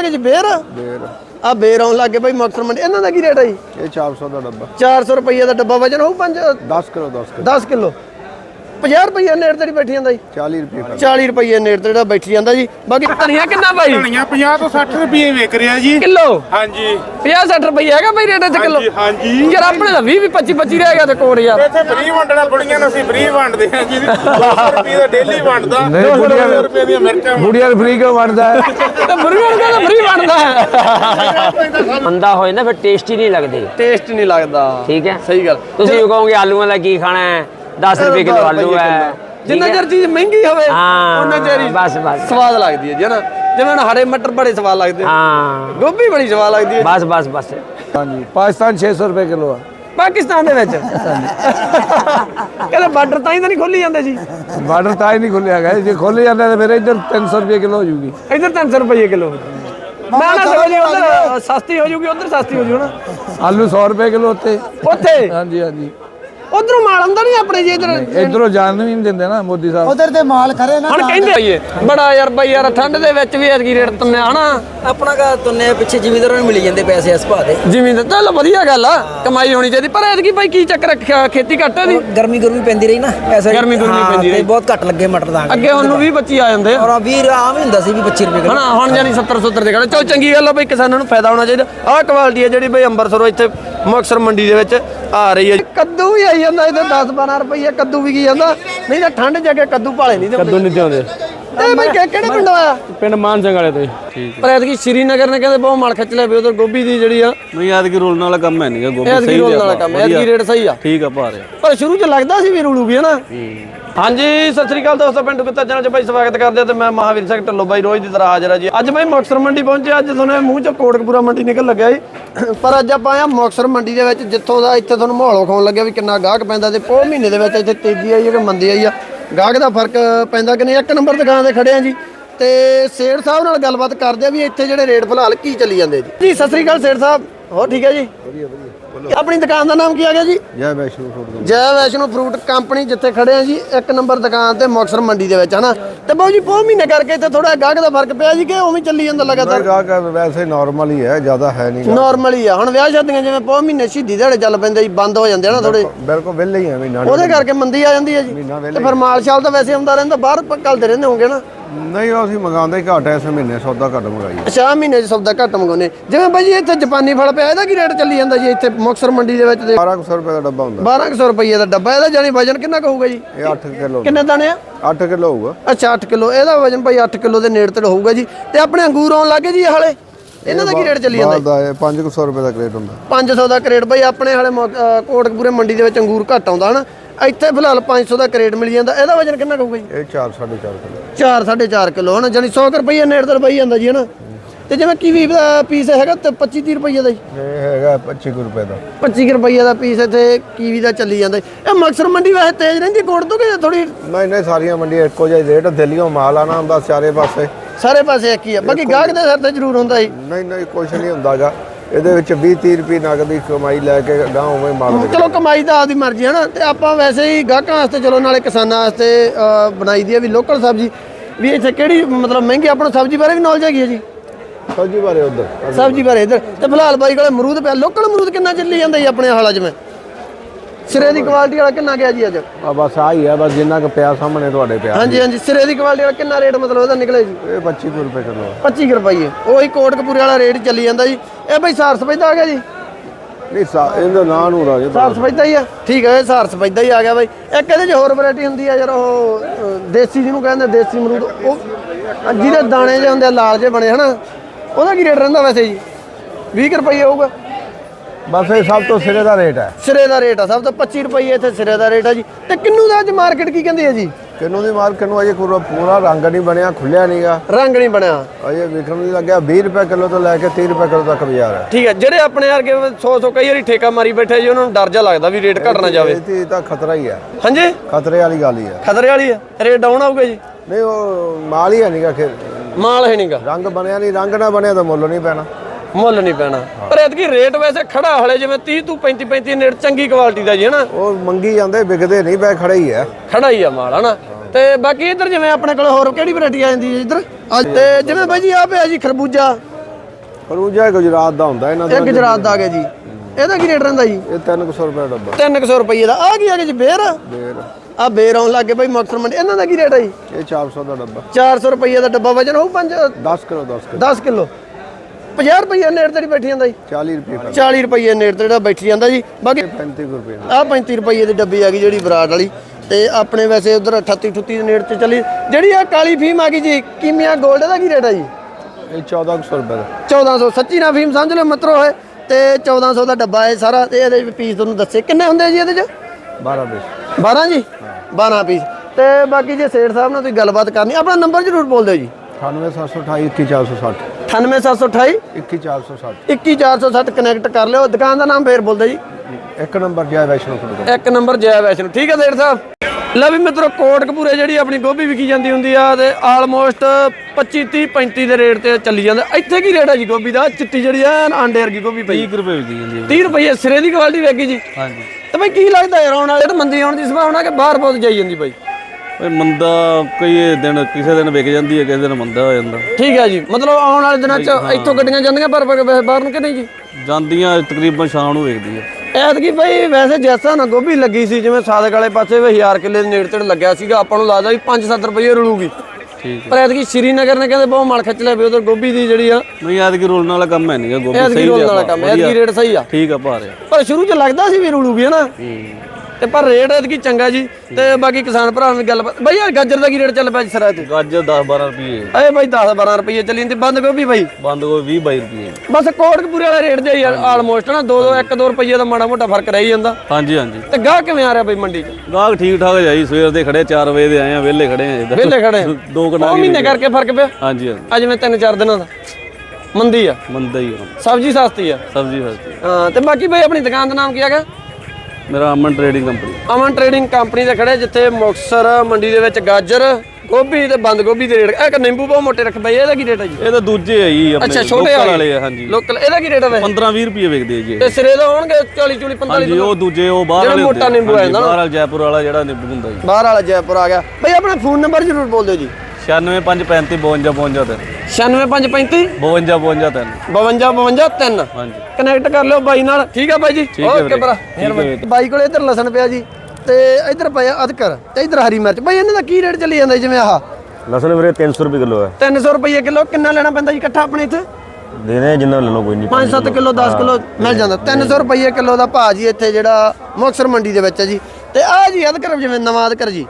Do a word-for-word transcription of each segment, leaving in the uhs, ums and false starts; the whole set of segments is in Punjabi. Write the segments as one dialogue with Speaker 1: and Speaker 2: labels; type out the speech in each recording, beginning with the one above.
Speaker 1: ਹੈਗੇ ਜੀ ਬੇਰ
Speaker 2: ਬੇਰ
Speaker 1: ਆ ਬੇਰ ਆਉਣ ਲੱਗੇ ਬਾਈ ਮੁਕਤਸਰ ਮੰਡੀ ਇਹਨਾਂ ਦਾ ਕੀ ਰੇਟ ਹੈ ਜੀ
Speaker 2: ਇਹ ਚਾਰ ਸੌ ਦਾ ਡੱਬਾ
Speaker 1: ਚਾਰ ਸੌ ਰੁਪਏ ਦਾ ਡੱਬਾ ਵਜਨ ਹੋਊ ਪੰਜ
Speaker 2: ਦਸ ਕਿਲੋ ਦਸ ਕਿਲੋ
Speaker 1: ਦਸ ਕਿਲੋ ਪੰਜਾਹ ਰੁਪਏ ਨੇੜ ਤੇ ਬੈਠੀ ਜਾਂਦਾ ਜੀ
Speaker 2: ਚਾਲੀ ਰੁਪਏ
Speaker 1: ਚਾਲੀ ਰੁਪਏ ਨੇੜ ਤੇ ਜਿਹੜਾ ਬੈਠੀ ਜਾਂਦਾ ਜੀ ਬਾਕੀ ਧਨੀਆ ਕਿੰਨਾ ਬਾਈ
Speaker 3: ਧਨੀਆ ਪੰਜਾਹ ਤੋਂ ਸੱਠ ਰੁਪਏ ਵਿਕ ਰਿਹਾ ਜੀ
Speaker 1: ਕਿਲੋ
Speaker 3: ਹਾਂਜੀ
Speaker 1: ਪੰਜਾਹ ਸੱਠ ਰੁਪਏ ਹੈਗਾ ਬਾਈ ਰੇਟ ਇੱਥੇ ਕਿਲੋ
Speaker 3: ਹਾਂਜੀ
Speaker 1: ਯਾਰ ਆਪਣੇ ਦਾ ਵੀਹ ਵੀਹ ਪੱਚੀ ਪੱਚੀ ਰਹਿ ਗਿਆ ਤੇ ਕੋੜ ਯਾਰ
Speaker 3: ਇੱਥੇ ਫ੍ਰੀ ਵੰਡਣਾ ਬੁੜੀਆਂ ਨੂੰ ਅਸੀਂ ਫ੍ਰੀ ਵੰਡਦੇ ਹਾਂ ਜੀ ਦੋ ਸੌ ਰੁਪਏ ਦਾ ਡੇਲੀ ਵੰਡਦਾ ਦੋ ਸੌ ਰੁਪਏ ਦੀਆਂ ਮਿਰਚਾਂ
Speaker 4: ਬੁੜੀਆਂ ਨੂੰ ਫ੍ਰੀ ਕਿਉਂ ਵੰਡਦਾ ਹੈ
Speaker 1: ਤੇ ਮੁਰਗਾ ਦਾ ਫ੍ਰੀ ਬਣਦਾ ਹੈ
Speaker 5: ਮੰਦਾ ਹੋਏ ਨਾ ਫਿਰ ਟੇਸਟੀ ਨਹੀਂ ਲੱਗਦੇ
Speaker 1: ਟੇਸਟ ਨਹੀਂ ਲੱਗਦਾ
Speaker 5: ਠੀਕ ਹੈ
Speaker 1: ਸਹੀ ਗੱਲ
Speaker 5: ਤੁਸੀਂ ਕਹੋਗੇ ਆਲੂਆਂ ਦਾ ਕੀ ਖਾਣਾ ਹੈ ਦਸ ਰੁਪਏ ਕਿਲੋ ਆਲੂ ਹੈ
Speaker 1: ਜਿੰਨਾ ਚਿਰ ਚੀਜ਼ ਮਹਿੰਗੀ ਹੋਵੇ ਉਹਨਾਂ ਚਿਰ ਹੀ
Speaker 5: ਬਸ ਬਸ
Speaker 1: ਸਵਾਦ ਲੱਗਦੀ ਹੈ ਜੀ ਨਾ ਜਿਵੇਂ ਹੁਣ ਹਰੇ ਮਟਰ ਬੜੇ ਸਵਾਦ ਲੱਗਦੇ
Speaker 5: ਹਾਂ
Speaker 1: ਗੋਭੀ ਬੜੀ ਸਵਾਦ ਲੱਗਦੀ ਹੈ
Speaker 5: ਬਸ ਬਸ ਬਸ
Speaker 4: ਹਾਂਜੀ ਪਾਕਿਸਤਾਨ ਛੇ ਸੌ ਰੁਪਏ ਕਿਲੋ ਆ
Speaker 1: ਪਾਕਿਸਤਾਨ ਦੇ ਵਿੱਚ ਕਹਿੰਦੇ ਬਾਰਡਰ ਤਾਂ ਹੀ ਤਾਂ ਨਹੀਂ ਖੋਲੀ ਜਾਂਦੇ ਜੀ
Speaker 4: ਬਾਰਡਰ ਤਾਂ ਹੀ ਨਹੀਂ ਖੁੱਲਿਆ ਗਿਆ ਜੇ ਖੋਲੇ ਜਾਂਦਾ ਤਾਂ ਫਿਰ ਇੱਧਰ ਤਿੰਨ ਸੌ ਰੁਪਏ ਕਿਲੋ ਹੋ ਜੂਗੀ
Speaker 1: ਇੱਧਰ ਤਿੰਨ ਸੌ ਰੁਪਏ ਕਿਲੋ ਮੈਂ ਨਾ ਸਮਝੇ ਉਧਰ ਸਸਤੀ ਹੋ ਜੂਗੀ ਉਧਰ ਸਸਤੀ ਹੋ ਜੂ ਨਾ
Speaker 4: ਆਲੂ ਸੌ ਰੁਪਏ ਕਿਲੋ ਉੱਤੇ
Speaker 1: ਉੱਥੇ
Speaker 4: ਹਾਂਜੀ ਹਾਂਜੀ
Speaker 1: ਉਧਰੋਂ ਮਾਲ ਆਉਂਦਾ ਨਹੀਂ ਆਪਣੇ ਜੀ ਇੱਧਰ
Speaker 4: ਇੱਧਰੋਂ ਜਾਣ ਵੀ ਨਹੀਂ ਦਿੰਦੇ ਨਾ ਮੋਦੀ ਸਾਹਿਬ
Speaker 6: ਉਧਰ ਤੇ ਮਾਲ ਖਰੇ ਨਾ
Speaker 1: ਹੁਣ ਕਹਿੰਦੇ ਆਈਏ ਬੜਾ ਯਾਰ ਬਾਈ ਯਾਰ ਠੰਡ ਦੇ ਵਿੱਚ ਵੀ ਐਤਕੀ ਰੇਟ ਤੁੰਨਿਆ ਹਨਾ
Speaker 7: ਆਪਣਾ ਘਰ ਤੁੰਨੇ ਪਿੱਛੇ ਜ਼ਿਮੀਂਦਾਰਾਂ ਨੂੰ ਮਿਲੀ ਜਾਂਦੇ ਪੈਸੇ ਇਸ ਭਾਅ ਦੇ
Speaker 1: ਜਿਵੇਂ ਤਾਂ ਚੱਲ ਵਧੀਆ ਗੱਲ ਆ ਕਮਾਈ ਹੋਣੀ ਚਾਹੀਦੀ ਪਰ ਐਤਕੀ ਬਾਈ ਕੀ ਚੱਕਰ ਰੱਖਿਆ ਖੇਤੀ ਘੱਟ ਹੈ ਦੀ
Speaker 7: ਗਰਮੀ ਗੁਰਮੀ ਪੈਂਦੀ ਰਹੀ ਨਾ ਐਸਾ
Speaker 1: ਗਰਮੀ ਗੁਰਮੀ ਪੈਂਦੀ ਰਹੀ।
Speaker 7: ਤੇ ਬਹੁਤ ਘੱਟ ਲੱਗੇ ਮਟਰ ਦਾ
Speaker 1: ਅੱਗੇ ਹੁਣ ਨੂੰ ਵੀਹ ਪੱਚੀ ਆ ਜਾਂਦੇ
Speaker 7: ਔਰ ਵੀਹ ਆਮ ਹੀ ਹੁੰਦਾ ਸੀ ਵੀ ਪੱਚੀ ਰੁਪਏ ਕਿਲੋ
Speaker 1: ਹਨਾ ਹੁਣ ਜਾਨੀ ਸੱਤਰ ਸੱਤਰ ਦੇ ਖੜੇ ਚਲ ਚੰਗੀ ਗੱਲ ਆ ਬਈ ਕਿਸਾਨਾਂ ਨੂੰ ਫਾਇਦਾ ਹੋਣਾ ਚਾਹੀਦਾ ਆਹ ਕੁਆਲਿਟੀ ਹੈ ਜਿਹੜੀ ਬਈ ਅੰਮ੍ਰਿਤਸਰੋਂ ਇੱਥੇ ਮੁਕਤਸਰ ਮੰਡੀ ਦੇ ਵਿੱਚ ਆ ਰਹੀ ਹੈ ਕੱਦੂ ਵੀ ਆਈ ਜਾਂਦਾ ਇੱਥੇ ਦਸ ਬਾਰਾਂ ਰੁਪਏ ਕੱਦੂ ਵੀ ਕੀ ਜਾਂਦਾ ਨਹੀਂ ਤਾਂ ਠੰਡ ਜਾ ਕੇ ਕੱਦੂ ਭਾਲੇ ਨਹੀਂ
Speaker 4: ਕੱਦੂ ਨਹੀਂ ਦਿਉਂਦੇ
Speaker 1: ਤੇ ਬਈ ਕਿ- ਕਿਹੜੇ ਪਿੰਡੋਂ ਆਇਆ
Speaker 4: ਪਿੰਡ ਮਾਨ ਸਿੰਘ ਵਾਲੇ ਤੋਂ ਠੀਕ
Speaker 1: ਪਰ ਐਤਕੀ ਸ਼੍ਰੀਨਗਰ ਨੇ ਕਹਿੰਦੇ ਬਹੁਤ ਮਾਲ ਖਿੱਚ ਲਿਆ ਵੀ ਉਧਰ ਗੋਭੀ ਦੀ ਜਿਹੜੀ ਆ
Speaker 8: ਨਹੀਂ ਐਤਕੀ ਰੋਲਣ ਵਾਲਾ ਕੰਮ ਹੈ ਨਹੀਂਗਾ ਗੋਭੀ
Speaker 1: ਐਤਕੀ ਰੋਲਣ ਵਾਲਾ ਕੰਮ ਐਤਕੀ ਰੇਟ ਸਹੀ ਆ
Speaker 8: ਠੀਕ ਆ ਪਾ ਰਿਹਾ
Speaker 1: ਪਰ ਸ਼ੁਰੂ ਚ ਲੱਗਦਾ ਸੀ ਵੀ ਰੂਲੂਗੀ ਹਨਾ ਹਾਂਜੀ ਸਤਿ ਸ੍ਰੀ ਅਕਾਲ ਦੋਸਤੋ ਪਿੰਡ ਕੁੱਤਾ ਚੈਨਲ 'ਚ ਬਾਈ ਸਵਾਗਤ ਕਰਦੇ ਆ ਤੇ ਮੈਂ ਮਹਾਵੀਰ ਸਿੰਘ ਢੱਲੋਂ ਬਾਈ ਰੋਜ਼ ਦੀ ਤਰ੍ਹਾਂ ਹਾਜ਼ਰ ਆ ਜੀ ਅੱਜ ਬਾਈ ਮੁਕਤਸਰ ਮੰਡੀ ਪਹੁੰਚੇ ਅੱਜ ਤੁਹਾਨੂੰ ਮੂੰਹ 'ਚ ਕੋਟਕਪੂਰਾ ਮੰਡੀ ਨਿਕਲ ਲੱਗਿਆ ਜੀ ਪਰ ਅੱਜ ਆਪਾਂ ਆ ਮੁਕਤਸਰ ਮੰਡੀ ਦੇ ਵਿੱਚ ਜਿੱਥੋਂ ਦਾ ਇੱਥੇ ਤੁਹਾਨੂੰ ਮਾਹੌਲ ਵਿਖਾਉਣ ਲੱਗਿਆ ਵੀ ਕਿੰਨਾ ਗਾਹਕ ਪੈਂਦਾ ਤੇ ਪੋਹ ਮਹੀਨੇ ਦੇ ਵਿੱਚ ਇੱਥੇ ਤੇਜ਼ੀ ਆਈ ਹੈ ਕਿ ਮੰਦੀ ਆਈ ਆ ਗਾਹਕ ਦਾ ਫਰਕ ਪੈਂਦਾ ਕਿ ਨਹੀਂ ਇੱਕ ਨੰਬਰ ਦੁਕਾਨ ਤੇ ਖੜੇ ਆ ਜੀ ਤੇ ਸੇਠ ਸਾਹਿਬ ਨਾਲ ਗੱਲਬਾਤ ਕਰਦੇ ਆ ਵੀ ਇੱਥੇ ਜਿਹੜੇ ਰੇਟ ਫਿਲਹਾਲ ਕੀ ਚੱਲੀ ਜਾਂਦੇ ਜੀ ਜੀ ਸਤਿ ਸ੍ਰੀ ਅਕਾਲ ਸੇਠ ਸਾਹਿਬ ਹੋਰ ਠੀਕ ਹੈ ਜੀ ਵਧੀਆ ਵਧੀਆ ਆਪਣੀ ਦੁਕਾਨ ਦਾ ਨਾਮ ਕੀ ਆ ਗਿਆ ਜੀ
Speaker 2: ਜੈ ਵੈਸ਼ਨੂ ਫੂਡ
Speaker 1: ਜੈ ਵੈਸ਼ਨੂ ਫਰੂਟ ਕੰਪਨੀ ਜਿੱਥੇ ਖੜੇ ਆ ਜੀ ਇੱਕ ਨੰਬਰ ਦੁਕਾਨ ਤੇ ਮੁਕਤਸਰ ਮੰਡੀ ਦੇ ਵਿੱਚ ਹਨਾ ਤੇ ਬਾਊ ਜੀ ਪੋਹ ਮਹੀਨੇ ਕਰਕੇ ਇੱਥੇ ਥੋੜਾ ਗਾਹਕ ਦਾ ਫਰਕ ਪਿਆ ਜੀ ਕਿ ਉਵੇਂ ਚੱਲੀ ਜਾਂਦਾ ਲਗਾਤਾਰ
Speaker 2: ਗਾਹਕ ਵੈਸੇ ਨਾਰਮਲ ਹੀ ਹੈ ਜ਼ਿਆਦਾ ਹੈ ਨਹੀਂ
Speaker 1: ਨਾਰਮਲ ਹੀ ਆ ਹੁਣ ਵਿਆਹ ਸ਼ਾਦੀਆਂ ਜਿਵੇਂ ਪੋਹ ਮਹੀਨੇ ਸ਼ਹੀਦੀ ਦਿਹਾੜੇ ਚੱਲ ਪੈਂਦੇ ਜੀ ਬੰਦ ਹੋ ਜਾਂਦੇ ਆ ਨਾ ਥੋੜੇ
Speaker 2: ਬਿਲਕੁਲ ਵਿਹਲੇ ਹੀ ਹੈ ਮਹੀਨਾ
Speaker 1: ਉਹਦੇ ਕਰਕੇ ਮੰਦੀ ਆ ਜਾਂਦੀ ਹੈ ਜੀ ਤੇ ਫਿਰ ਮਾਲ ਸ਼ਾਲ ਤਾਂ ਵੈਸੇ ਆਉਂਦਾ ਰਹਿੰਦਾ ਬਾਹਰ ਕੱਲਦੇ ਰਹਿੰਦੇ ਹੋਗੇ ਨਾ
Speaker 2: ਨਹੀਂ ਅਸੀਂ ਮੰਗਾਉਂਦੇ ਹੀ ਘੱਟ ਐ ਇਸ ਮਹੀਨੇ ਸੌਦਾ ਘੱਟ ਮੰਗਾਈ
Speaker 1: ਅੱਛਾ ਮਹੀਨੇ 'ਚ ਸੌਦਾ ਘੱਟ ਮੰਗਾਉਨੇ ਜਿਵੇਂ ਬਾਈ ਜੀ ਇੱਥੇ ਜਾਪਾਨੀ ਫਲ ਪਿਆ ਇਹਦਾ ਕੀ ਰੇਟ ਚੱਲੀ ਜਾਂਦਾ ਜੀ ਇੱਥੇ ਮੁਕਤਸਰ ਮੰਡੀ ਦੇ ਵਿੱਚ
Speaker 2: ਬਾਰਾਂ ਸੌ ਰੁਪਏ ਦਾ ਡੱਬਾ ਹੁੰਦਾ
Speaker 1: ਬਾਰਾਂ ਸੌ ਰੁਪਏ ਦਾ ਡੱਬਾ ਇਹਦਾ ਜਾਨੀ ਵਜਨ ਕਿੰਨਾ ਕੁ ਹੋਊਗਾ ਜੀ
Speaker 2: ਇਹ ਅੱਠ ਕਿਲੋ
Speaker 1: ਕਿੰਨੇ ਦਾਣੇ ਆ
Speaker 2: ਅੱਠ ਕਿਲੋ ਹੋਊਗਾ
Speaker 1: ਅੱਛਾ ਅੱਠ ਕਿਲੋ ਇਹਦਾ ਵਜਨ ਭਾਈ ਅੱਠ ਕਿਲੋ ਦੇ ਨੇੜੇ ਤੇ ਹੋਊਗਾ ਜੀ ਤੇ ਆਪਣੇ ਅੰਗੂਰ ਆਉਣ ਲੱਗੇ ਜੀ ਹਾਲੇ ਇਹਨਾਂ ਦਾ ਕੀ ਰੇਟ ਚੱਲੀ ਜਾਂਦਾ
Speaker 2: ਦਾ ਇਹ ਪੰਜ ਸੌ ਰੁਪਏ ਦਾ ਕਰੇਟ ਹੁੰਦਾ
Speaker 1: ਪੰਜ ਸੌ ਦਾ ਕਰੇਟ ਭਾਈ ਆਪਣੇ ਹਾਲੇ ਕੋਟਕਪੂਰੇ ਮੰਡੀ ਦੇ ਵਿੱਚ ਅੰਗੂਰ ਘੱਟ ਆਉਂਦਾ ਹਨਾ ਇੱਥੇ ਫਿਲਹਾਲ ਪੰਜ ਸੌ ਦਾ ਕਰੇਟ ਮਿਲ ਜਾਂਦਾ ਇਹਦਾ ਵਜਨ ਕਿੰਨਾ ਹੋਊਗਾ ਜੀ
Speaker 2: ਇਹ ਚਾਰ ਸਾਢੇ ਚਾਰ ਕਿਲੋ
Speaker 1: ਚਾਰ ਸਾਢੇ ਚਾਰ ਕਿਲੋ ਹਨਾ ਜਾਨੀ ਸੌ ਰੁਪਏ ਨੇੜੇ ਤੇ ਪਈ ਜਾਂਦਾ ਜੀ ਹਨਾ ਤੇ ਜਿਵੇਂ ਕੀਵੀ ਦਾ ਪੀਸ ਹੈਗਾ ਤੇ ਪੱਚੀ ਤੀਹ ਰੁਪਏ ਦਾ ਜੀ
Speaker 2: ਇਹ ਹੈਗਾ ਪੱਚੀ ਰੁਪਏ ਦਾ
Speaker 1: ਪੱਚੀ ਰੁਪਏ ਦਾ ਪੀਸ ਇੱਥੇ ਕੀਵੀ ਦਾ ਚੱਲੀ ਜਾਂਦਾ ਇਹ ਮੁਕਤਸਰ ਮੰਡੀ ਵੈਸੇ ਤੇਜ਼ ਰਹਿੰਦੀ ਕੋਟ ਤੋਂ ਕਿ ਥੋੜੀ
Speaker 2: ਨਹੀਂ ਨਹੀਂ ਸਾਰੀਆਂ ਮੰਡੀਆਂ ਇੱਕੋ ਜਿਹਾ ਰੇਟ ਦਿੱਲੀੋਂ ਮਾਲ ਆਣਾ ਹੁੰਦਾ ਚਾਰੇ ਪਾਸੇ
Speaker 1: ਸਾਰੇ ਪਾਸੇ ਇੱਕ ਹੀ ਆ ਬਾਕੀ ਗਾਹਕ ਦੇ ਸਿਰ ਤੇ ਜ਼ਰੂਰ ਹੁੰਦਾ ਜੀ
Speaker 2: ਨਹੀਂ ਨਹੀਂ ਕੁਛ ਨਹੀਂ ਹੁੰਦਾਗਾ ਇਹਦੇ ਵਿੱਚ ਵੀਹ ਤੀਹ ਰੁਪਏ ਨਗਦ ਦੀ ਕਮਾਈ ਲੈ ਕੇ ਗਾਂ ਉਵੇਂ ਮਾਲ ਦੇ
Speaker 1: ਚਲੋ ਕਮਾਈ ਤਾਂ ਆਪਦੀ ਮਰਜ਼ੀ ਹੈ ਨਾ ਤੇ ਆਪਾਂ ਵੈਸੇ ਹੀ ਗਾਹਕਾਂ ਵਾਸਤੇ ਚਲੋ ਨਾਲੇ ਕਿਸਾਨਾਂ ਵਾਸਤੇ ਬਣਾਈ ਦੀ ਹੈ ਵੀ ਲੋਕਲ ਸਬਜ਼ੀ ਵੀ ਇੱਥੇ ਕਿਹੜੀ ਮਤਲਬ ਮਹਿੰਗੀ ਆਪਾਂ ਨੂੰ ਸਬਜ਼ੀ ਬਾਰੇ ਵੀ ਨੌਲੇਜ ਹੈਗੀ ਹੈ ਜੀ
Speaker 2: ਸਬਜ਼ੀ ਬਾਰੇ ਉਧਰ
Speaker 1: ਸਬਜ਼ੀ ਬਾਰੇ ਇੱਧਰ ਤੇ ਫਿਲਹਾਲ ਬਾਈ ਕੋਲੇ ਅਮਰੂਦ ਪਿਆ ਲੋਕਲ ਅਮਰੂਦ ਕਿੰਨਾ ਚੱਲੀ ਜਾਂਦਾ ਜੀ ਆਪਣੇ ਹਾਲਾ ਜਿਵੇਂ ਸਿਰੇ ਦੀ ਕੁਆਲਿਟੀ ਵਾਲਾ ਕਿੰਨਾ ਗਿਆ ਜੀ ਅੱਜ
Speaker 2: ਆ ਬਸ ਆਹੀ ਆ ਬਸ ਜਿੰਨਾ ਕੁ ਪਿਆ ਸਾਹਮਣੇ ਤੁਹਾਡੇ ਪਿਆ
Speaker 1: ਹਾਂਜੀ ਹਾਂਜੀ ਸਿਰੇ ਦੀ ਕੁਆਲਿਟੀ ਵਾਲਾ ਕਿੰਨਾ ਰੇਟ ਮਤਲਬ ਉਹਦਾ ਨਿਕਲੇ ਜੀ
Speaker 2: ਇਹ ਪੱਚੀ ਰੁਪਏ ਕਿਲੋ
Speaker 1: ਪੱਚੀ ਰੁਪਏ ਉਹੀ ਕੋਟਕਪੂਰੇ ਵਾਲਾ ਰੇਟ ਚੱਲੀ ਜਾਂਦਾ ਜੀ ਇਹ ਬਾਈ ਸਾਰ ਸਪੈਦਾ ਆ ਗਿਆ ਜੀ
Speaker 2: ਨਹੀਂ ਇਹਦਾ ਨਾਂ ਨੂੰ ਰਾਜੇ
Speaker 1: ਸਾਰ ਸਪੈਦਾ ਹੀ ਆ ਠੀਕ ਹੈ ਇਹ ਸਾਰ ਸਪੈਦਾ ਹੀ ਆ ਗਿਆ ਬਾਈ ਇੱਕ ਇਹਦੇ 'ਚ ਹੋਰ ਵੈਰਾਈਟੀ ਹੁੰਦੀ ਆ ਯਾਰ ਉਹ ਦੇਸੀ ਜਿਹਨੂੰ ਕਹਿੰਦੇ ਦੇਸੀ ਅਮਰੂਦ ਉਹ ਜਿਹਦੇ ਦਾਣੇ ਜਿਹੇ ਹੁੰਦੇ ਆ ਲਾਲ ਜਿਹੇ ਬਣੇ ਹਨਾ ਉਹਦਾ ਕੀ ਰੇਟ ਰਹਿੰਦਾ ਵੈਸੇ ਜੀ ਵੀਹ ਰੁਪਏ ਹੋਊਗਾ
Speaker 2: ਬਸ ਇਹ ਸਭ ਤੋਂ ਸਿਰੇ ਦਾ ਰੇਟ ਹੈ
Speaker 1: ਸਿਰੇ ਦਾ ਰੇਟ ਆ ਸਭ ਤੋਂ ਪੱਚੀ ਰੁਪਏ ਇੱਥੇ ਸਿਰੇ ਦਾ ਰੇਟ ਆ ਜੀ ਤੇ ਕਿੰਨੂ ਦਾ ਅੱਜ ਮਾਰਕੀਟ ਕੀ ਕਹਿੰਦੀ ਹੈ ਜੀ
Speaker 2: ਕਿੰਨੂ ਦੀ ਮਾਰਕੀਟ ਨੂੰ ਅਜੇ ਪੂਰਾ ਪੂਰਾ ਰੰਗ ਨਹੀਂ ਬਣਿਆ ਖੁੱਲਿਆ ਨਹੀਂਗਾ
Speaker 1: ਰੰਗ ਨਹੀਂ ਬਣਿਆ
Speaker 2: ਅਜੇ ਵਿਕਣ ਨਹੀਂ ਲੱਗਿਆ ਵੀਹ ਰੁਪਏ ਕਿਲੋ ਤੋਂ ਲੈ ਕੇ ਤੀਹ ਰੁਪਏ ਕਿਲੋ ਤੱਕ ਬਾਜ਼ਾਰ ਹੈ
Speaker 1: ਠੀਕ ਹੈ ਜਿਹੜੇ ਆਪਣੇ ਵਰਗੇ ਸੌ ਸੌ ਕਈ ਵਾਰੀ ਠੇਕਾ ਮਾਰੀ ਬੈਠੇ ਜੀ ਉਹਨਾਂ ਨੂੰ ਡਰ ਜਾ ਲੱਗਦਾ ਵੀ ਰੇਟ ਘਟ ਨਾ ਜਾਵੇ
Speaker 2: ਇਹ ਤਾਂ ਖਤਰਾ ਹੀ ਹੈ
Speaker 1: ਹਾਂਜੀ
Speaker 2: ਖਤਰੇ ਵਾਲੀ ਗੱਲ ਹੀ ਹੈ
Speaker 1: ਖਤਰੇ ਵਾਲੀ ਆ ਰੇਟ ਡਾਊਨ ਆਊਗਾ ਜੀ
Speaker 2: ਨਹੀਂ ਉਹ ਮਾਲ ਹੀ ਹੈ ਨਹੀਂਗਾ ਕਿ
Speaker 1: ਮਾਲ ਹੈ ਨਹੀਂਗਾ
Speaker 2: ਰੰਗ ਬਣਿਆ ਨਹੀਂ ਰੰਗ ਨਾ ਬਣਿਆ ਤਾਂ ਮੁੱਲ ਨਹੀਂ ਪੈਣਾ
Speaker 1: ਮੁੱਲ ਨਹੀਂ ਪੈਣਾ ਪਰ ਐਤਕੀ ਰੇਟ ਵੈਸੇ ਖੜਾ ਹਲੇ ਜਿਵੇਂ ਤੀਹ ਤੋਂ ਪੈਂਤੀ ਪੈਂਤੀ ਨੇੜ ਚੰਗੀ ਕੁਆਲਿਟੀ ਦਾ ਜੀ ਹਨਾ
Speaker 2: ਉਹ ਮੰਗੀ ਜਾਂਦੇ ਵਿਕਦੇ ਨਹੀਂ ਪਏ ਖੜਾ ਹੀ ਹੈ
Speaker 1: ਖੜਾ ਹੀ ਆ ਮਾਲ ਹਨਾ ਤੇ ਬਾਕੀ ਇੱਧਰ ਜਿਵੇਂ ਆਪਣੇ ਕੋਲ ਹੋਰ ਕਿਹੜੀ ਵੈਰਾਈਟੀ ਆ ਜਾਂਦੀ ਹੈ ਇੱਧਰ ਤੇ ਜਿਵੇਂ ਬਾਈ ਜੀ ਆ ਪਿਆ ਜੀ ਖਰਬੂਜਾ
Speaker 2: ਖਰਬੂਜਾ ਗੁਜਰਾਤ ਦਾ ਹੁੰਦਾ ਇਹਨਾਂ ਦਾ।
Speaker 1: ਇਹ ਗੁਜਰਾਤ ਦਾ ਆ ਗਿਆ ਜੀ। ਇਹਦਾ ਕੀ ਰੇਟ ਰਹਿੰਦਾ ਜੀ?
Speaker 2: ਇਹ ਤਿੰਨ ਸੌ ਰੁਪਏ ਡੱਬਾ।
Speaker 1: ਤਿੰਨ ਸੌ ਰੁਪਏ ਦਾ। ਆ ਕੀ ਆ ਗਿਆ ਜੀ? ਬੇਰ
Speaker 2: ਬੇਰ
Speaker 1: ਆ ਬੇਰ ਆਉਣ ਲੱਗੇ ਬਾਈ ਮੁਕਤਸਰ ਮੰਡੀ। ਇਹਨਾਂ ਦਾ ਕੀ ਰੇਟ ਹੈ ਜੀ?
Speaker 2: ਇਹ ਚਾਰ ਸੌ ਦਾ ਡੱਬਾ।
Speaker 1: ਚਾਰ ਸੌ ਰੁਪਏ ਦਾ ਡੱਬਾ। ਵਜਨ ਹੋਊ ਪੰਜ
Speaker 2: ਦਸ ਕਿਲੋ ਦਸ ਕਿਲੋ
Speaker 1: ਦਸ ਕਿਲੋ। ਪੰਜਾਹ ਰੁਪਏ ਨੇੜ ਤੇ ਬੈਠੀ ਜਾਂਦਾ ਜੀ।
Speaker 2: ਚਾਲੀ ਰੁਪਏ
Speaker 1: ਚਾਲੀ ਰੁਪਏ ਨੇੜ ਤੇ ਜਿਹੜਾ ਬੈਠੀ ਜਾਂਦਾ ਜੀ। ਬਾਕੀ
Speaker 2: ਪੈਂਤੀ ਕੁ ਰੁਪਏ
Speaker 1: ਆ ਪੈਂਤੀ ਰੁਪਏ ਦੀ ਡੱਬੀ ਆ ਗਈ ਜਿਹੜੀ ਬਰਾੜ ਵਾਲੀ। ਤੇ ਆਪਣੇ ਵੈਸੇ ਉਧਰ ਅਠੱਤੀ ਅਠੱਤੀ ਦੇ ਨੇੜ ਤੇ ਚੱਲੀ। ਜਿਹੜੀ ਆ ਕਾਲੀ ਫੀਮ ਆ ਗਈ ਜੀ ਕੀਮੀਆ 골ਡ ਦਾ ਕੀ ਰੇਟ ਹੈ ਜੀ?
Speaker 2: ਇਹ ਚੌਦਾਂ ਸੌ ਰੁਪਏ ਦਾ।
Speaker 1: ਚੌਦਾਂ ਸੌ। ਸੱਚੀ ਨਾ ਫੀਮ ਸਮਝ ਲਿਓ ਮਤਰੋ ਹੈ। ਤੇ ਚੌਦਾਂ ਸੌ ਦਾ ਡੱਬਾ ਹੈ ਸਾਰਾ। ਤੇ ਇਹਦੇ ਪੀਸ ਤੁਹਾਨੂੰ ਦੱਸੇ ਕਿੰਨੇ ਹੁੰਦੇ ਜੀ ਇਹਦੇ ਚ?
Speaker 2: ਬਾਰਾਂ ਪੀਸ।
Speaker 1: ਬਾਰਾਂ ਜੀ। ਬਾਰਾਂ ਪੀਸ। ਤੇ ਬਾਕੀ ਜੇ ਸੇਠ ਸਾਹਿਬ ਨਾਲ ਤੁਸੀਂ ਗੱਲਬਾਤ ਕਰਨੀ ਆਪਣਾ ਨੰਬਰ ਜ਼ਰੂਰ ਬੋਲ ਦਿਓ ਜੀ।
Speaker 2: ਅਠਾਨਵੇਂ ਸੱਤ ਸੌ ਅਠਾਈ ਇੱਕੀ ਚਾਰ ਸੌ ਸੱਠ।
Speaker 1: ਅਠਾਨਵੇਂ ਸੱਤ ਸੌ ਅਠਾਈ
Speaker 2: ਇੱਕੀ ਚਾਰ ਸੌ ਸੱਠ।
Speaker 1: ਇੱਕੀ ਚਾਰ ਸੌ ਸੱਠ ਕਨੈਕਟ ਕਰ ਲਿਓ। ਦੁਕਾਨ ਦਾ ਨਾਮ ਫੇਰ ਬੋਲ ਦਿਓ ਜੀ।
Speaker 2: ਇੱਕ ਨੰਬਰ ਜੈ ਵੈਸ਼ਨੋ ਫੂਡ।
Speaker 1: ਇੱਕ ਨੰਬਰ ਜੈ ਵੈਸ਼ਨੋ। ਠੀਕ ਹੈ ਸੇਠ ਸਾਹਿਬ। ਲੈ ਵੀ ਮਿੱਤਰੋ ਕੋਟਕਪੂਰੇ ਜਿਹੜੀ ਆਪਣੀ ਗੋਭੀ ਵਿਕੀ ਜਾਂਦੀ ਹੁੰਦੀ ਆ ਤੇ ਆਲਮੋਸਟ ਪੱਚੀ ਤੀਹ ਪੈਂਤੀ ਦੇ ਰੇਟ ਤੇ ਚੱਲੀ ਜਾਂਦਾ। ਇੱਥੇ ਕੀ ਰੇਟ ਹੈ ਜੀ ਗੋਭੀ ਦਾ? ਚਿੱਟੀ ਜਿਹੜੀ ਆ ਆਂਡੇ ਵਰਗੀ ਗੋਭੀ ਪਈ
Speaker 8: ਤੀਹ ਰੁਪਏ ਵਿਕੀ ਜਾਂਦੀ ਹੈ।
Speaker 1: ਤੀਹ ਰੁਪਏ ਸਿਰੇ ਦੀ ਕੁਆਲਿਟੀ ਵੇਗੀ ਜੀ।
Speaker 8: ਹਾਂਜੀ।
Speaker 1: ਤੇ ਬਈ ਕੀ ਲੱਗਦਾ ਯਾਰ ਆਉਣ ਵਾਲੇ ਮੰਦੀ ਆਉਣ ਦੀ ਸੰਭਾਵਨਾ ਕਿ ਬਾਹਰ ਬਹੁਤ ਜਾਈ ਜਾਂਦੀ ਬਾਈ?
Speaker 8: ਓਏ ਮੰਦਾ ਕਈ ਦਿਨ ਕਿਸੇ ਦਿਨ ਵਿਕ ਜਾਂਦੀ ਹੈ, ਕਿਸੇ ਦਿਨ ਮੰਦਾ ਹੋ ਜਾਂਦਾ।
Speaker 1: ਠੀਕ ਹੈ ਜੀ। ਮਤਲਬ ਆਉਣ ਵਾਲੇ ਦਿਨਾਂ 'ਚ ਇੱਥੋਂ ਗੱਡੀਆਂ ਜਾਂਦੀਆਂ ਪਰ ਬਾਹਰ ਨੂੰ ਕਿ ਨਹੀਂ ਜੀ?
Speaker 8: ਜਾਂਦੀਆਂ ਤਕਰੀਬਨ ਸ਼ਾਮ ਨੂੰ ਵੇਖਦੀ ਹੈ।
Speaker 1: ਐਤਕੀ ਬਈ ਵੈਸੇ ਜੈਸਾ ਨਾ ਗੋਭੀ ਲੱਗੀ ਸੀ ਜਿਵੇਂ ਸਾਦਕ ਵਾਲੇ ਪਾਸੇ ਵੀ ਹਜ਼ਾਰ ਕਿੱਲੇ ਦੇ ਨੇੜੇ ਤੇੜੇ ਲੱਗਿਆ ਸੀਗਾ। ਆਪਾਂ ਨੂੰ ਲੱਗਦਾ ਵੀ ਪੰਜ ਸੱਤ ਰੁਪਏ ਰੁਲੂਗੀ।
Speaker 8: ਠੀਕ
Speaker 1: ਪਰ ਐਤਕੀ ਸ਼੍ਰੀਨਗਰ ਨੇ ਕਹਿੰਦੇ ਬਹੁਤ ਮਲ ਖਿੱਚ ਲਿਆ ਵੀ ਉਧਰ ਗੋਭੀ ਦੀ ਜਿਹੜੀ ਆ
Speaker 8: ਨਹੀਂ ਐਤਕੀ ਰੋਲਣ ਵਾਲਾ ਕੰਮ ਹੈ ਨਹੀਂਗਾ। ਗੋਭੀ
Speaker 1: ਐਤਕੀ
Speaker 8: ਸਹੀ
Speaker 1: ਰੋਲਣ ਵਾਲਾ ਕੰਮ। ਐਤਕੀ ਰੇਟ ਸਹੀ ਆ।
Speaker 8: ਠੀਕ ਆ ਪਾ ਰਿਹਾ।
Speaker 1: ਪਰ ਸ਼ੁਰੂ 'ਚ ਲੱਗਦਾ ਸੀ ਵੀ ਰੁਲੂਗੀ ਹਨਾ। ਤੇ ਪਰ ਰੇਟ ਐਤਕੀ ਚੰਗਾ ਜੀ। ਤੇ ਬਾਕੀ ਕਿਸਾਨ ਭਰਾਵਾਂ ਦੀ ਗੱਲ ਬਈ ਯਾਰ ਗਾਜਰ ਦਾ ਕੀ ਰੇਟ ਚੱਲ ਪਿਆ ਜੀ ਸਰਾ ਤੇ?
Speaker 8: ਗਾਜਰ ਦਸ ਬਾਰਾਂ ਰੁਪਏ।
Speaker 1: ਏ ਬਾਈ ਦਸ ਬਾਰਾਂ ਰੁਪਏ ਚੱਲੀ ਜਾਂਦੀ। ਬੰਦ ਗੋਭੀ ਬਾਈ
Speaker 8: ਬੰਦ ਗੋਭੀ ਵੀਹ ਬਾਈ ਰੁਪਏ।
Speaker 1: ਬਸ ਕੋਟਕਪੂਰੇ ਵਾਲਾ ਰੇਟ ਦੇ ਯਾਰ ਆਲਮੋਸਟ ਨਾ ਦੋ ਦੋ ਇੱਕ ਦੋ ਰੁਪਏ ਦਾ ਮਾੜਾ ਮੋਟਾ ਫਰਕ ਰਹਿ ਜਾਂਦਾ।
Speaker 8: ਹਾਂਜੀ ਹਾਂਜੀ।
Speaker 1: ਤੇ ਗਾਹ ਕਿਵੇਂ ਆ ਰਿਹਾ ਬਈ ਮੰਡੀ 'ਚ?
Speaker 8: ਗਾਹਕ ਠੀਕ ਠਾਕ ਜਾਈ। ਸਵੇਰ ਦੇ ਖੜੇ ਚਾਰ ਵਜੇ ਦੇ ਆਏ ਆ, ਵਿਹਲੇ ਖੜੇ ਆ ਇੱਧਰ।
Speaker 1: ਵਿਹਲੇ ਖੜੇ
Speaker 8: ਦੋ
Speaker 1: ਉਹ
Speaker 8: ਕਨਾਲ
Speaker 1: ਮਹੀਨੇ ਕਰਕੇ ਫਰਕ ਪਿਆ।
Speaker 8: ਹਾਂਜੀ ਹਾਂਜੀ।
Speaker 1: ਅੱਜ ਮੈਂ ਤਿੰਨ ਚਾਰ ਦਿਨਾਂ ਦਾ ਮੰਦੀ ਆ।
Speaker 8: ਮੰਦਾ ਹੀ ਆ।
Speaker 1: ਸਬਜ਼ੀ ਸਸਤੀ ਆ।
Speaker 8: ਸਬਜ਼ੀ ਸਸਤੀ।
Speaker 1: ਹਾਂ ਤੇ ਬਾਕੀ ਬਈ ਆਪਣੀ ਦੁਕਾਨ ਦਾ ਨਾਮ ਕੀ ਹੈਗਾ?
Speaker 8: ਮੇਰਾ Aman trading company.
Speaker 1: Aman trading company ਦੇ ਖੜੇ ਜਿੱਥੇ ਮੁਕਤਸਰ ਮੰਡੀ ਦੇ ਵਿੱਚ ਗਾਜਰ ਗੋਭੀ ਤੇ ਬੰਦ ਗੋਭੀ ਦੇ ਰੇਟ। ਇੱਕ ਨਿੰਬੂ ਬਹੁਤ ਮੋਟੇ ਰੱਖ ਬਈ। ਇਹਦਾ ਕੀ ਰੇਟ ਹੈ ਜੀ?
Speaker 8: ਇਹ ਤਾਂ ਦੂਜੇ ਆ ਜੀ ਆਪਣੇ
Speaker 1: ਅੱਛਾ ਛੋਟੇ
Speaker 8: local ਵਾਲੇ ਆ। ਹਾਂਜੀ।
Speaker 1: ਲੋਕਲ। ਇਹਦਾ ਕੀ ਰੇਟ ਹੈ ਵੈਸੇ?
Speaker 8: ਪੰਦਰਾਂ ਵੀਹ ਰੁਪਏ ਵਿਕਦੇ ਆ ਜੀ।
Speaker 1: ਤੇ ਸਿਰੇ ਦਾ ਹੋਣਗੇ ਚਾਲੀ ਚੂਲੀ ਪੰਤਾਲੀ?
Speaker 8: ਹਾਂਜੀ ਉਹ ਦੂਜੇ ਉਹ ਬਾਹਰ
Speaker 1: ਜਿਹੜਾ
Speaker 8: ਵਾਲੇ
Speaker 1: ਮੋਟਾ ਨਿੰਬੂ ਆ ਜਾਂਦਾ ਨਾ।
Speaker 8: ਬਾਹਰ ਵਾਲਾ ਜੈਪੁਰ ਵਾਲਾ ਜਿਹੜਾ ਨਿੰਬੂ ਹੁੰਦਾ ਜੀ।
Speaker 1: ਬਾਹਰ ਵਾਲਾ ਜੈਪੁਰ ਆ ਗਿਆ ਬਈ। ਆਪਣਾ ਫੋਨ ਨੰਬਰ ਜ਼ਰੂਰ ਬੋਲ ਦਿਓ ਜੀ।
Speaker 8: ਛਿਆਨਵੇਂ ਪੰਜ ਪੈਂਤੀ ਬਵੰਜਾ ਬਵੰਜਾ ਤਿੰਨ।
Speaker 1: ਛਿਆਨਵੇਂ ਪੰਜ ਪੈਂਤੀ
Speaker 8: ਬਵੰਜਾ ਬਵੰਜਾ ਤਿੰਨ।
Speaker 1: ਬਵੰਜਾ ਬਵੰਜਾ ਤਿੰਨ।
Speaker 8: ਹਾਂਜੀ।
Speaker 1: ਕਨੈਕਟ ਕਰ ਲਿਓ ਬਾਈ ਨਾਲ। ਠੀਕ ਆ ਬਾਈ ਜੀ।
Speaker 8: ਹੈ
Speaker 1: ਓਕੇ
Speaker 8: ਵੀਰੇ।
Speaker 1: ਭਰਾ। ਮਿਹਰਬਾਨੀ। ਬਾਈ ਕੋਲੇ ਇੱਧਰ ਲਸਣ ਪਿਆ ਜੀ ਤੇ ਇੱਧਰ ਪਿਆ ਅਦਰਕ ਤੇ ਇੱਧਰ ਹਰੀ ਮਿਰਚ। ਬਾਈ ਇਹਨਾਂ ਦਾ ਕੀ ਰੇਟ ਚੱਲੀ ਜਾਂਦਾ ਜਿਵੇਂ ਆਹ
Speaker 6: ਲਸਣ ਵੀਰੇ ਤਿੰਨ ਸੌ ਰੁਪਏ ਕਿਲੋ ਹੈ।
Speaker 1: ਤਿੰਨ ਸੌ ਰੁਪਏ ਕਿਲੋ। ਕਿੰਨਾ ਲੈਣਾ ਪੈਂਦਾ ਜੀ ਇਕੱਠਾ ਆਪਣੇ ਇੱਥੇ?
Speaker 6: ਦੇ ਰਹੇ ਜਿੰਨਾ ਲੈ ਲਓ ਕੋਈ ਨਹੀਂ।
Speaker 1: ਪੰਜ ਸੱਤ ਕਿਲੋ ਦਸ ਕਿਲੋ ਮਿਲ ਜਾਂਦਾ। ਤਿੰਨ ਸੌ ਰੁਪਏ ਕਿਲੋ ਦਾ ਭਾਅ ਜੀ ਇੱਥੇ ਜਿਹੜਾ ਮੁਕਤਸਰ ਮੰਡੀ ਦੇ ਵਿੱਚ ਹੈ ਜੀ। ਤੇ ਆਹ ਜੀ ਅਦਰਕ ਜਿਵੇਂ ਨਵਾਂ ਅਦਰਕ ਜੀ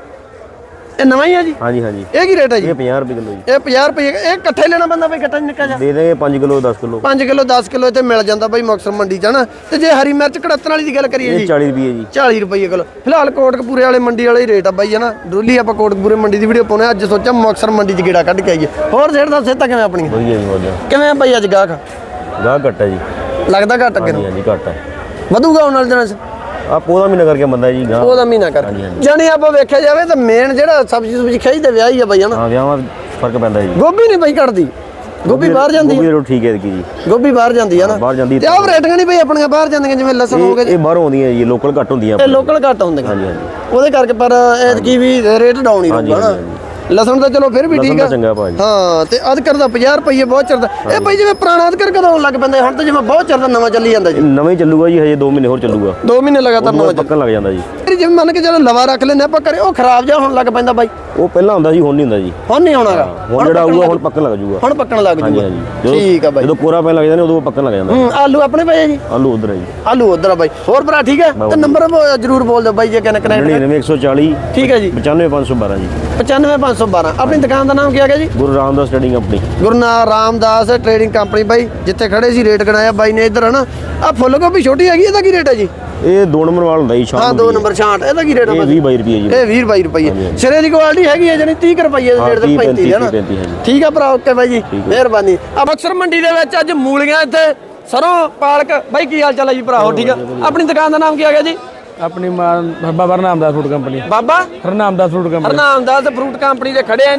Speaker 1: ਇਹ ਨਵਾਂ ਹੀ ਆ ਜੀ?
Speaker 6: ਹਾਂਜੀ ਹਾਂਜੀ।
Speaker 1: ਇਹ ਕੀ ਰੇਟ ਹੈ ਜੀ?
Speaker 6: ਇਹ ਪੰਜਾਹ ਰੁਪਏ ਕਿਲੋ ਜੀ।
Speaker 1: ਇਹ ਪੰਜਾਹ ਰੁਪਏ। ਇਹ ਇਕੱਠੇ ਲੈਣਾ ਪੈਂਦਾ ਬਈ ਇਕੱਠਾ ਨਿੱਕਾ ਜਿਹਾ?
Speaker 6: ਦੇ ਦੇਗੇ ਪੰਜ ਕਿਲੋ ਦਸ ਕਿਲੋ।
Speaker 1: ਪੰਜ ਕਿਲੋ ਦਸ ਕਿਲੋ ਇੱਥੇ ਮਿਲ ਜਾਂਦਾ ਬਈ ਮੁਕਤਸਰ ਮੰਡੀ ਚ ਹਨਾ। ਤੇ ਜੇ ਹਰੀ ਮਿਰਚ ਕੜੱਤਣ ਵਾਲੀ ਦੀ ਗੱਲ ਕਰੀਏ
Speaker 6: ਇਹ
Speaker 1: ਜੀ
Speaker 6: ਚਾਲੀ ਰੁਪਏ ਜੀ।
Speaker 1: ਚਾਲੀ ਰੁਪਏ ਕਿਲੋ। ਫਿਲਹਾਲ ਕੋਟਕਪੂਰੇ ਵਾਲੇ ਮੰਡੀ ਵਾਲੇ ਹੀ ਰੇਟ ਆ ਬਾਈ ਹਨਾ। ਡਰੂਲੀ ਆਪਾਂ ਕੋਟਕਪੂਰੇ ਮੰਡੀ ਦੀ ਵੀਡੀਓ ਪਾਉਣੇ। ਅੱਜ ਸੋਚਿਆ ਮੁਕਤਸਰ ਮੰਡੀ ਚ ਗੇੜਾ ਕੱਢ ਕੇ ਆਈਏ। ਹੋਰ ਸੇਠ ਦਾ ਸਿਹਤਾਂ ਕਿਵੇਂ ਆਪਣੀਆਂ?
Speaker 6: ਵਧੀਆ ਜੀ ਵਧੀਆ।
Speaker 1: ਕਿਵੇਂ ਆ ਬਾਈ ਅੱਜ ਗਾਹਕ?
Speaker 6: ਗਾਹ ਘੱਟ ਹੈ ਜੀ।
Speaker 1: ਲੱਗਦਾ ਘੱਟ ਅੱਗੇ
Speaker 6: ਹਾਂਜੀ
Speaker 1: ਨੂੰ
Speaker 6: ਹਾਂਜੀ ਘੱਟ ਹੈ।
Speaker 1: ਵਧੂਗਾ ਆਉਣ ਵਾਲੇ ਦਿਨਾਂ ਚ?
Speaker 6: ਆ ਪੌਦਾ ਮਹੀਨਾ ਕਰਕੇ ਬੰਦਾ ਜੀ ਗਾਹ।
Speaker 1: ਉਹਦਾ ਮਹੀਨਾ ਕਰ ਜਾਣੀ ਆਪਾਂ ਵੇਖਿਆ ਜਾਵੇ ਤਾਂ ਮੇਨ ਜਿਹੜਾ ਸਬਜ਼ੀ ਸੁਬਜ਼ੀ ਖਿੱਚਦੇ ਵਿਆਹ ਹੀ ਆ ਬਾਈ ਹਨਾ।
Speaker 6: ਹਾਂ ਵਿਆਹਾਂ ਫਰਕ ਪੈਂਦਾ ਜੀ।
Speaker 1: ਗੋਭੀ ਨਹੀਂ ਬਾਈ ਘਟਦੀ। ਗੋਭੀ ਬਾਹਰ ਜਾਂਦੀ
Speaker 6: ਗੋਭੀ
Speaker 1: ਹੈ।
Speaker 6: ਰੇਟ ਠੀਕ ਹੈ ਕੀ ਜੀ।
Speaker 1: ਗੋਭੀ ਬਾਹਰ ਜਾਂਦੀ ਹੈ ਨਾ।
Speaker 6: ਬਾਹਰ ਜਾਂਦੀ
Speaker 1: ਤੇ ਆਹ ਰੇਟਾਂ ਨਹੀਂ ਬਈ ਆਪਣੀਆਂ ਬਾਹਰ ਜਾਂਦੀਆਂ ਜਿਵੇਂ ਲਸਣ ਹੋ ਗਿਆ
Speaker 6: ਇਹ ਬਾਹਰੋਂ ਆਉਂਦੀਆਂ ਜੀ ਲੋਕਲ ਘੱਟ ਹੁੰਦੀਆਂ
Speaker 1: ਇਹ ਲੋਕਲ ਘੱਟ ਹੁੰਦੀਆਂ।
Speaker 6: ਹਾਂਜੀ ਹਾਂਜੀ।
Speaker 1: ਉਹਦੇ ਕਰਕੇ ਪਰ ਐਤਕੀ ਵੀ ਰੇਟ ਡਾਊਨ ਹੀ ਰਹੂਗਾ ਨਾ। ਲਸਣ ਤਾਂ ਚਲੋ ਫਿਰ ਵੀ ਠੀਕ ਆ।
Speaker 6: ਚੰਗਾ ਭਾਜੀ।
Speaker 1: ਹਾਂ ਤੇ ਅਦਰਕ ਦਾ ਪੰਜਾਹ ਰੁਪਏ ਬਹੁਤ ਚਿਰ ਦਾ। ਇਹ ਬਈ ਜਿਵੇਂ ਪੁਰਾਣਾ ਅਦਰਕ ਕਦੋਂ ਆਉਣ ਲੱਗ ਪੈਂਦਾ? ਹੁਣ ਤਾਂ ਜਿਵੇਂ ਬਹੁਤ ਚਿਰ ਦਾ ਨਵਾਂ ਚੱਲੀ ਜਾਂਦਾ ਜੀ।
Speaker 6: ਨਵਾਂ ਹੀ ਚੱਲੂਗਾ ਜੀ ਹਜੇ ਦੋ ਮਹੀਨੇ ਹੋਰ ਚੱਲੂਗਾ।
Speaker 1: ਦੋ ਮਹੀਨੇ ਲਗਾਤਾਰ ਨਵਾਂ
Speaker 6: ਪੱਕਣ ਲੱਗ ਜਾਂਦਾ ਜੀ।
Speaker 1: ਜਿਵੇਂ ਮੰਨ ਕੇ ਚਲੋ ਲਵਾ ਰੱਖ ਲੈਂਦੇ ਆਪਾਂ ਘਰੇ ਉਹ ਖਰਾਬ ਜਾ ਹੋਣ ਲੱਗ ਪੈਂਦਾ ਬਾਈ।
Speaker 6: ਉਹ ਪਹਿਲਾਂ ਹੁੰਦਾ ਸੀ ਹੁਣ ਨਹੀਂ ਹੁੰਦਾ ਜੀ।
Speaker 1: ਹੁਣ ਨਹੀਂ ਹੋਣਾਗਾ।
Speaker 6: ਹੁਣ ਜਿਹੜਾ ਆਊਗਾ ਹੁਣ ਪੱਕਣ ਲੱਗ ਜਾਊਗਾ।
Speaker 1: ਹੁਣ ਪੱਕਣ ਲੱਗ
Speaker 6: ਹਾਂਜੀ
Speaker 1: ਜੂਗਾ।
Speaker 6: ਹਾਂਜੀ।
Speaker 1: ਠੀਕ ਆ ਬਾਈ।
Speaker 6: ਜਦੋਂ ਕੋਰਾ ਪੈਣ ਲੱਗ ਜਾਂਦਾ ਉਦੋਂ ਪੱਕਣ ਲੱਗ ਜਾਂਦਾ।
Speaker 1: ਹੂੰ ਆਲੂ ਆਪਣੇ ਪਏ ਜੀ?
Speaker 6: ਆਲੂ ਉਧਰ ਹੈ ਜੀ।
Speaker 1: ਆਲੂ ਉਧਰ ਆ ਬਾਈ। ਹੋਰ ਭਰਾ ਠੀਕ ਹੈ? ਤੇ ਨੰਬਰ ਜਰੂਰ ਬੋਲ ਦਿਓ ਬਾਈ ਜੇ ਕਹਿੰਦੇ ਕਨੈਕਟ।
Speaker 6: ਨੜਿਨਵੇਂ ਇੱਕ ਸੌ ਚਾਲੀ।
Speaker 1: ਠੀਕ ਹੈ ਜੀ।
Speaker 6: ਪਚਾਨਵੇਂ ਪੰਜ ਸੌ ਬਾਰਾਂ ਜੀ।
Speaker 1: ਪਚਾਨਵੇਂ ਪੰਜ ਸੌ ਬਾਰਾਂ। ਆਪਣੀ ਦੁਕਾਨ ਦਾ ਨਾਮ ਕੀ ਹੈਗਾ ਜੀ?
Speaker 6: Guru Ramdas trading company.
Speaker 1: Guru Ramdas trading company ਬਾਈ ਜਿੱਥੇ ਖੜੇ ਸੀ ਰੇਟ ਗਣਾਇਆ ਬਾਈ ਨੇ ਇੱਧਰ ਹਨਾ। ਆ ਫੁੱਲ ਗੋਭੀ ਛੋਟੀ ਹੈਗੀ ਇਹਦਾ ਕੀ ਰੇਟ ਹੈ ਜੀ?
Speaker 6: ਇਹ ਦੋ ਨੰਬਰ ਵਾਲ ਹੁੰਦਾ ਜੀ ਸ਼ਾਮ
Speaker 1: ਹਾਂ ਦੋ ਨੰਬਰ ਛਾਂਟ। ਇਹਦਾ ਕੀ ਰੇਟ ਹੈ?
Speaker 6: ਇਹ ਵੀਹ ਬਾਈ ਰੁਪਏ ਜੀ।
Speaker 1: ਇਹ ਵੀਹ ਬਾਈ ਰੁਪਏ। ਸਿਰੇ ਦੀ ਕੁਆਲਿਟੀ ਹੈਗੀ ਹੈ ਜਾਨੀ ਤੀਹ ਰੁਪਏ ਦੇ ਰੇਟ ਤੇ ਪੈਂਤੀ ਹੈ ਨਾ। ਠੀਕ ਆ ਭਰਾ ਓਕੇ ਬਾਈ ਜੀ ਮਿਹਰਬਾਨੀ। ਆ ਮੁਕਤਸਰ ਮੰਡੀ ਦੇ ਵਿੱਚ ਅੱਜ ਮੂਲੀਆਂ ਇੱਥੇ ਸਰੋਂ ਪਾਲਕ ਬਾਈ ਕੀ ਹਾਲ ਚਾਲ ਹੈ ਜੀ ਭਰਾ? ਹੋ ਠੀਕ ਆ। ਆਪਣੀ ਦੁਕਾਨ ਦਾ ਨਾਮ ਕੀ ਹੈਗਾ ਜੀ?
Speaker 4: ਆਪਣੀ Baba Harnamdas food company.
Speaker 1: Baba
Speaker 4: Harnamdas food company.
Speaker 1: Harnamdas fruit company ਦੇ ਖੜੇ ਆ ਜੀ।